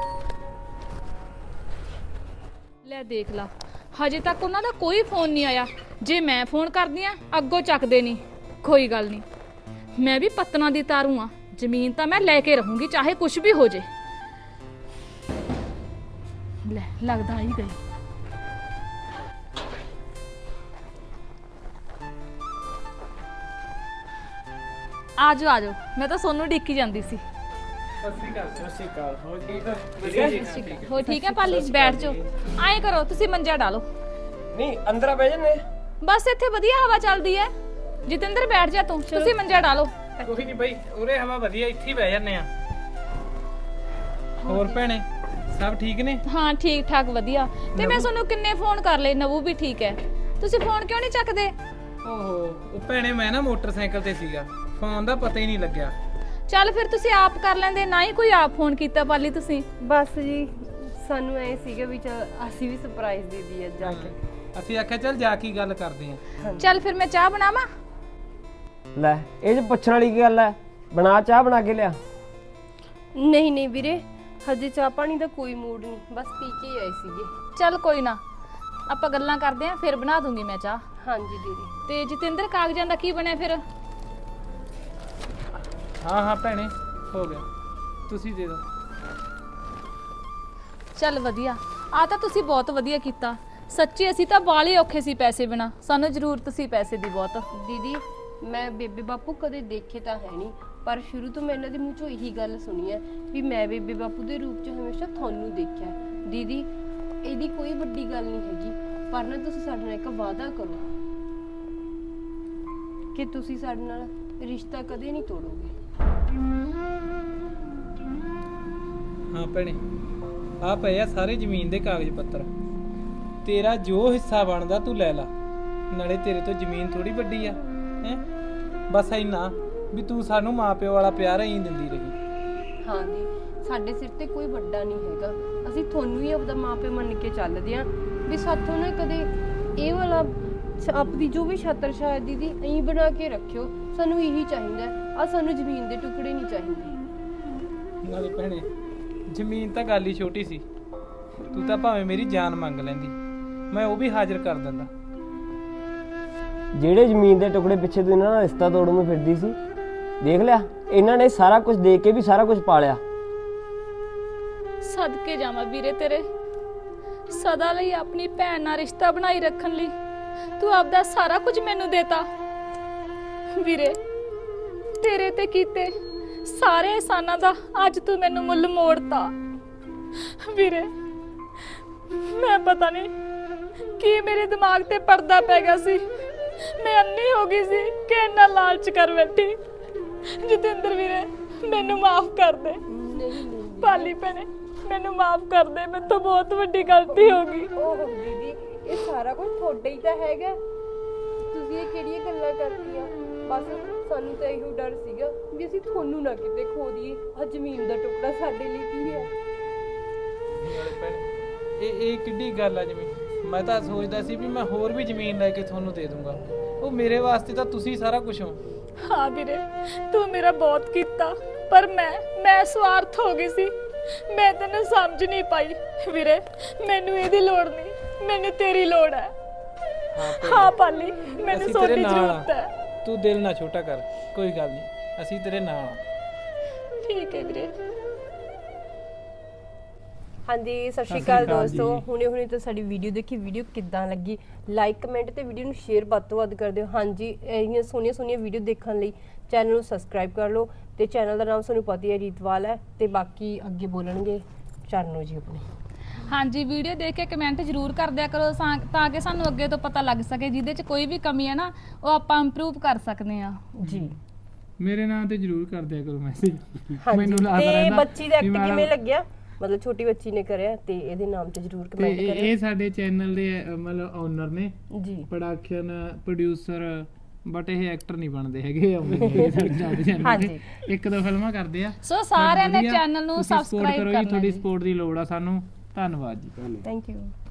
Speaker 1: ਲੈ ਦੇਖ ਲਾ, ਹਜੇ ਤੱਕ ਉਹਨਾਂ ਦਾ ਕੋਈ ਫੋਨ ਨਹੀਂ ਆਇਆ। ਜੇ ਮੈਂ ਫੋਨ ਕਰਦੀ ਆ ਅੱਗੋਂ ਚੱਕਦੇ ਨਹੀਂ। ਕੋਈ ਗੱਲ ਨਹੀਂ, ਮੈਂ ਵੀ ਪਤਨਾ ਦੀ ਤਾਰੂ ਆ, ਜ਼ਮੀਨ ਤਾਂ ਮੈਂ ਲੈ ਕੇ ਰਹੂੰਗੀ ਚਾਹੇ ਕੁਝ ਵੀ ਹੋ ਜੇ। ਲੈ ਲੱਗਦਾ ਹੀ ਗਈ। ਆਜੋ ਆਜੋ, ਮੈਂ ਤਾਂ ਸੋਨੂੰ ਡਿੱਕੀ ਜਾਂਦੀ ਸੀ। ਹੋ ਠੀਕ ਹੈ ਪਾਲੀ, ਬੈਠ ਜਾਓ। ਐਂ ਕਰੋ ਤੁਸੀਂ ਮੰਜਾ ਡਾਲੋ,
Speaker 3: ਨਹੀਂ ਅੰਦਰ ਆ ਬਹਿ ਜੰਨੇ।
Speaker 1: ਬਸ ਇੱਥੇ ਵਧੀਆ ਹਵਾ ਚੱਲਦੀ ਹੈ। ਜਤਿੰਦਰ ਬੈਠ ਜਾ ਤੂੰ, ਤੁਸੀਂ ਮੰਜਾ ਡਾਲੋ।
Speaker 5: ਕੋਈ ਨਹੀਂ ਬਈ, ਉਰੇ ਹਵਾ ਵਧੀਆ, ਇੱਥੇ ਹੀ ਬਹਿ ਜਾਂਦੇ ਆ। ਹੋਰ ਭੈਣੇ ਸਭ ਠੀਕ ਨੇ?
Speaker 1: ਹਾਂ ਠੀਕ ਠਾਕ ਵਧੀਆ। ਤੇ ਮੈਂ ਤੁਹਾਨੂੰ ਕਿੰਨੇ ਫੋਨ ਕਰ ਲਏ, ਨਵੂ ਵੀ ਠੀਕ ਹੈ, ਤੁਸੀਂ ਫੋਨ ਕਿਉਂ ਨਹੀਂ ਚੱਕਦੇ?
Speaker 5: ਓਹੋ ਉਹ ਭੈਣੇ ਮੈਂ ਨਾ ਮੋਟਰਸਾਈਕਲ ਤੇ ਸੀਗਾ, ਫੋਨ ਦਾ ਪਤਾ ਹੀ ਨਹੀਂ ਲੱਗਿਆ।
Speaker 1: ਚੱਲ ਫਿਰ ਤੁਸੀਂ ਆਪ ਕਰ ਲੈਂਦੇ, ਨਾ ਹੀ ਕੋਈ ਆਪ ਫੋਨ ਕੀਤਾ ਪਾਲੀ ਤੁਸੀਂ।
Speaker 4: ਬਸ ਜੀ, ਸਾਨੂੰ ਐ ਸੀਗਾ ਵੀ ਚੱਲ ਅਸੀਂ ਵੀ ਸਰਪ੍ਰਾਈਜ਼ ਦੇ ਦਈਏ ਜਾ ਕੇ।
Speaker 5: ਅਸੀਂ ਆਖਿਆ ਚੱਲ ਜਾ ਕੇ ਗੱਲ ਕਰਦੇ ਆਂ।
Speaker 1: ਚੱਲ ਫਿਰ ਮੈਂ ਚਾਹ ਬਣਾਵਾਂ?
Speaker 3: ਲੈ ਇਹ 'ਚ ਪੁੱਛਣ ਵਾਲੀ ਕੀ ਗੱਲ ਹੈ? ਬਣਾ ਚਾਹ, ਬਣਾ ਕੇ ਲਿਆ।
Speaker 4: ਨਹੀਂ ਨਹੀਂ ਵੀਰੇ, ਹਜੇ ਚਾਹ ਪਾਣੀ ਦਾ ਕੋਈ ਮੂਡ ਨਹੀਂ, ਬਸ ਪੀ ਕੇ ਹੀ ਆਏ ਸੀਗੇ।
Speaker 1: ਚੱਲ ਕੋਈ ਨਾ, ਆਪਾਂ ਗੱਲਾਂ ਕਰਦੇ ਆਂ, ਫਿਰ ਬਣਾ ਦੂੰਗੀ ਮੈਂ ਚਾਹ।
Speaker 4: ਹਾਂਜੀ ਦੀਦੀ।
Speaker 1: ਤੇ ਜਤਿੰਦਰ ਕਾਗਜ਼ਾਂ ਦਾ ਕੀ ਬਣਿਆ ਫਿਰ?
Speaker 5: ਹਾਂ ਹਾਂ ਭੈਣੇ ਹੋ ਗਿਆ, ਤੁਸੀਂ ਦੇ ਦਿਓ।
Speaker 1: ਚੱਲ ਵਧੀਆ, ਆ ਤਾਂ ਤੁਸੀਂ ਬਹੁਤ ਵਧੀਆ ਕੀਤਾ। ਸੱਚੀ ਅਸੀਂ ਤਾਂ ਬਾਲੇ ਔਖੇ ਸੀ ਪੈਸੇ ਬਿਨਾ, ਸਾਨੂੰ ਜ਼ਰੂਰਤ ਸੀ ਪੈਸੇ ਦੀ ਬਹੁਤ।
Speaker 4: ਦੀਦੀ ਮੈਂ ਬੇਬੇ ਬਾਪੂ ਕਦੇ ਦੇਖੇ ਤਾਂ ਹੈ ਨਹੀਂ, ਪਰ ਸ਼ੁਰੂ ਤੋਂ ਮੈਂ ਇਹਨਾਂ ਦੇ ਮੂੰਹ ਚੋਂ ਇਹੀ ਗੱਲ ਸੁਣੀ ਹੈ ਵੀ ਮੈਂ ਬੇਬੇ ਬਾਪੂ ਦੇ ਰੂਪ 'ਚ ਹਮੇਸ਼ਾ ਤੁਹਾਨੂੰ ਦੇਖਿਆ। ਦੀਦੀ ਇਹਦੀ ਕੋਈ ਵੱਡੀ ਗੱਲ ਨਹੀਂ ਹੈਗੀ, ਪਰ ਨਾ ਤੁਸੀਂ ਸਾਡੇ ਨਾਲ ਇੱਕ ਵਾਅਦਾ ਕਰੋ ਕਿ ਤੁਸੀਂ ਸਾਡੇ ਨਾਲ ਰਿਸ਼ਤਾ ਕਦੇ ਨਹੀਂ ਤੋੜੋਗੇ।
Speaker 5: ਹਾਂ ਭੈਣੇ, ਆ ਪਏ ਆ ਸਾਰੇ ਜ਼ਮੀਨ ਦੇ ਕਾਗਜ਼ ਪੱਤਰ, ਤੇਰਾ ਜੋ ਹਿੱਸਾ ਬਣਦਾ ਤੂੰ ਲੈ ਲਾ। ਨਾਲੇ ਤੇਰੇ ਤੋਂ ਜ਼ਮੀਨ ਥੋੜੀ ਵੱਡੀ ਆ ਹੈ, ਬਸ ਇੰਨਾ ਵੀ ਤੂੰ ਸਾਨੂੰ ਮਾਪਿਓ ਵਾਲਾ ਪਿਆਰ ਹੀ ਦਿੰਦੀ ਰਹੀ।
Speaker 4: ਹਾਂ ਦੀ, ਸਾਡੇ ਸਿਰ ਤੇ ਕੋਈ ਵੱਡਾ ਨਹੀਂ ਹੈਗਾ, ਅਸੀਂ ਤੁਹਾਨੂੰ ਹੀ ਆਪਦਾ ਮਾਪੇ ਮੰਨ ਕੇ ਚੱਲਦੇ ਆਂ ਵੀ ਸਾਥੋਂ ਨਾ ਕਦੇ ਇਹ ਵਾਲਾ ਆਪਦੀ ਜੋ ਵੀ ਛਾਤਰ ਸ਼ਾਇਦ ਦੀਦੀ ਐਂ ਬਣਾ ਕੇ ਰੱਖਿਓ, ਸਾਨੂੰ ਇਹੀ ਚਾਹੀਦਾ ਆ, ਸਾਨੂੰ ਜ਼ਮੀਨ ਦੇ ਟੁਕੜੇ ਨਹੀਂ ਚਾਹੀਦੇ।
Speaker 5: ਨਾਲੇ ਭੈਣੇ ਜ਼ਮੀਨ ਤਾਂ ਗੱਲ ਹੀ ਛੋਟੀ ਸੀ, ਤੂੰ ਤਾਂ ਭਾਵੇਂ ਮੇਰੀ ਜਾਨ ਮੰਗ ਲੈਂਦੀ, ਮੈਂ ਉਹ ਵੀ ਹਾਜ਼ਰ ਕਰ ਦਿੰਦਾ।
Speaker 3: ਜਿਹੜੇ ਜ਼ਮੀਨ ਦੇ ਟੁਕੜੇ ਪਿੱਛੇ ਤੂੰ ਇਹਨਾਂ ਨਾਲ ਰਿਸ਼ਤਾ ਤੋੜਨ ਨੂੰ ਫਿਰਦੀ ਸੀ, ਦੇਖ ਲਿਆ ਇਹਨਾਂ ਨੇ ਸਾਰਾ ਕੁਝ ਦੇ ਕੇ ਵੀ ਸਾਰਾ ਕੁਝ ਪਾਲਿਆ।
Speaker 1: ਸਦਕੇ ਜਾਵਾਂ ਵੀਰੇ ਤੇਰੇ, ਸਦਾ ਲਈ ਆਪਣੀ ਭੈਣ ਨਾਲ ਰਿਸ਼ਤਾ ਬਣਾਈ ਰੱਖਣ ਲਈ ਤੂੰ ਆਪਦਾ ਸਾਰਾ ਕੁਝ ਮੈਨੂੰ ਦੇਤਾ। ਵੀਰੇ ਤੇਰੇ ਤੇ ਕੀਤੇ ਸਾਰੇ ਇਹਸਾਨਾਂ ਦਾ ਅੱਜ ਤੂੰ ਮੈਨੂੰ ਮੁੱਲ ਮੋੜਤਾ ਵੀਰੇ। ਮੈਂ ਪਤਾ ਨਹੀਂ ਕੀ ਮੇਰੇ ਦਿਮਾਗ ਤੇ ਪਰਦਾ ਪੈ ਗਿਆ ਸੀ, ਮੈਂ ਅੰਨੀ ਹੋ ਗਈ ਸੀ ਕਿ ਇੰਨਾ ਲਾਲਚ ਕਰ ਬੈਠੀ। ਜਤਿੰਦਰ ਵੀਰੇ ਮੈਨੂੰ ਮਾਫ ਕਰ ਦੇ। ਪਾਲੀ ਭੈਣੇ ਮੈਨੂੰ ਮਾਫ ਕਰ ਦੇ, ਮੇਰੇ ਤੋਂ ਬਹੁਤ ਵੱਡੀ ਗਲਤੀ ਹੋ ਗਈ।
Speaker 4: ਓਹ ਦੀਦੀ ਇਹ ਸਾਰਾ ਕੁਝ ਤੁਹਾਡਾ ਹੀ ਤਾਂ ਹੈਗਾ, ਤੁਸੀਂ ਇਹ ਕਿਹੜੀਆਂ ਗੱਲਾਂ ਕਰਦੀਆਂ। ਬਸ ਸਾਨੂੰ ਤਾਂ ਇਹੋ ਡਰ ਸੀਗਾ ਵੀ ਅਸੀਂ ਤੁਹਾਨੂੰ ਨਾ ਕਿਤੇ ਖੋ ਦਈਏ। ਆ ਜ਼ਮੀਨ ਦਾ ਟੁਕੜਾ ਸਾਡੇ ਲਈ ਕੀ ਹੈ?
Speaker 5: ਇਹ ਇਹ ਕਿੱਡੀ ਗੱਲ ਆ ਜ਼ਮੀਨ? ਮੈਂ ਤਾਂ ਸੋਚਦਾ ਸੀ ਵੀ ਮੈਂ ਹੋਰ ਵੀ ਜ਼ਮੀਨ ਲੈ ਕੇ ਤੁਹਾਨੂੰ ਦੇ ਦੂੰਗਾ। ਉਹ ਮੇਰੇ ਵਾਸਤੇ ਤਾਂ ਤੁਸੀਂ ਸਾਰਾ ਕੁਝ ਹੋ।
Speaker 1: ਹਾਂ ਵੀਰੇ ਤੂੰ ਮੇਰਾ ਬਹੁਤ ਕੀਤਾ, ਪਰ ਮੈਂ ਮੈਂ ਸਵਾਰਥ ਹੋ ਗਈ ਸੀ। ਮੈਂ ਤੈਨੂੰ ਸਮਝ ਨਹੀਂ ਪਾਈ ਵੀਰੇ। ਮੈਨੂੰ ਇਹਦੀ ਲੋੜ ਨਹੀਂ, ਮੈਨੂੰ ਤੇਰੀ ਲੋੜ ਹੈ। ਹਾਂ ਪਾਲੀ ਮੈਨੂੰ
Speaker 5: ਅਸੀਂ
Speaker 1: ਸੋਡੀ
Speaker 5: ਤੇਰੇ ਨਾਲ
Speaker 1: ਜ਼ਰੂਰਤ
Speaker 5: ਆ।
Speaker 1: ਹੈ।
Speaker 5: ਤੂੰ ਦਿਲ ਨਾ ਛੋਟਾ ਕਰ, ਕੋਈ ਗੱਲ ਨਹੀਂ, ਅਸੀਂ ਤੇਰੇ ਨਾਲ ਆ।
Speaker 1: ਠੀਕ ਹੈ ਵੀਰੇ।
Speaker 4: ਹਾਂਜੀ ਸਤਿ ਸ਼੍ਰੀ
Speaker 5: ਸਤਿ
Speaker 4: ਅਕਾਲ
Speaker 5: ਸ਼੍ਰੀ ਅਕਾਲ
Speaker 4: ਦੋਸਤੋ,
Speaker 5: ਜੀ।
Speaker 4: ਹੁਣੇ ਹੁਣੇ ਤਾਂ ਸਾਡੀ ਵੀਡੀਓ ਦੇਖੀ। ਵੀਡੀਓ ਕਿੱਦਾਂ ਲੱਗੀ ਲਾਈਕ ਕਮੈਂਟ ਤੇ ਵੀਡੀਓ ਨੂੰ ਸ਼ੇਅਰ ਵੱਧ ਤੋਂ ਵੱਧ ਕਰ ਦਿਓ। ਹਾਂਜੀ ਇਹੀਆਂ ਸੋਹਣੀਆਂ ਸੋਹਣੀਆਂ ਵੀਡੀਓ ਦੇਖਣ ਲਈ ਚੈਨਲ ਨੂੰ ਸਬਸਕ੍ਰਾਈਬ ਕਰ ਲਓ ਤੇ ਚੈਨਲ ਦਾ ਨਾਮ ਤੁਹਾਨੂੰ ਪਤਾ ਹੀ ਹੈ ਰੀਤਵਾਲ ਹੈ। ਤੇ ਬਾਕੀ ਅੱਗੇ ਬੋਲਣਗੇ ਚਰਨੋ ਜੀ ਆਪਣੇ।
Speaker 1: ਹਾਂਜੀ ਵੀਡੀਓ ਦੇਖ ਕੇ ਕਮੈਂਟ ਜ਼ਰੂਰ ਕਰ ਦਿਆ ਕਰੋ ਸਾ- ਤਾਂ ਕਿ ਸਾਨੂੰ ਅੱਗੇ ਤੋਂ ਪਤਾ ਲੱਗ ਸਕੇ ਜਿਹਦੇ 'ਚ ਕੋਈ ਵੀ ਕਮੀ ਹੈ ਨਾ ਉਹ ਆਪਾਂ ਇੰਪਰੂਵ ਕਰ ਸਕਦੇ ਆ
Speaker 4: ਜੀ
Speaker 5: ਮੇਰੇ ਨਾਮ ਤੇ ਜ਼ਰੂਰ ਕਰ ਦਿਆ ਕਰੋ ਮੈਸੇਜ।
Speaker 4: ਹਾਂਜੀ
Speaker 5: ਲੱਗਦਾ
Speaker 4: ਤੇ
Speaker 5: ਰਹਿੰਦਾ
Speaker 4: ਬੱਚੀ ਦਾ
Speaker 5: ਵੀ
Speaker 4: ਐਕਟ
Speaker 5: ਮੈਂ-
Speaker 4: ਕਿਵੇਂ ਲੱਗਿਆ, ਮਤਲਬ ਛੋਟੀ ਬੱਚੀ ਨੇ ਕਰਿਆ ਤੇ ਇਹਦੇ ਨਾਮ ਤੇ ਜ਼ਰੂਰ
Speaker 5: ਤੇ
Speaker 4: ਕਮੈਂਟ
Speaker 5: ਇਹ
Speaker 4: ਕਰਿਓ
Speaker 5: ਇਹ ਸਾਡੇ ਚੈਨਲ ਦੇ ਅ, ਮਤਲਬ ਓਨਰ ਨੇ,
Speaker 4: ਜੀ।
Speaker 5: ਪ੍ਰੋਡਕਸ਼ਨ ਪ੍ਰੋਡਿਊਸਰ, ਬਟ ਇਹ ਐਕਟਰ ਨਹੀਂ ਬਣਦੇ ਹੈਗੇ। ਆਉਂਦੇ ਸਾਡੇ ਚੈਨਲ
Speaker 4: ਹਾਂਜੀ।
Speaker 5: ਤੇ ਇੱਕ ਦੋ ਫਿਲਮਾਂ ਕਰਦੇ ਆ।
Speaker 1: ਸੋ ਸਾਰਿਆਂ ਨੇ
Speaker 5: ਵਧੀਆ,
Speaker 1: ਚੈਨਲ ਨੂੰ
Speaker 5: ਤੁਸੀਂ support
Speaker 1: ਸਬਸਕ੍ਰਾਈਬ
Speaker 5: ਕਰੋ ਜੀ,
Speaker 1: ਕਰਨਾ
Speaker 5: ਤੁਹਾਡੀ
Speaker 1: ਜੀ।
Speaker 5: ਸਪੋਰਟ ਦੀ ਲੋੜ ਆ ਸਾਨੂੰ। ਧੰਨਵਾਦ ਜੀ।
Speaker 4: Thank you.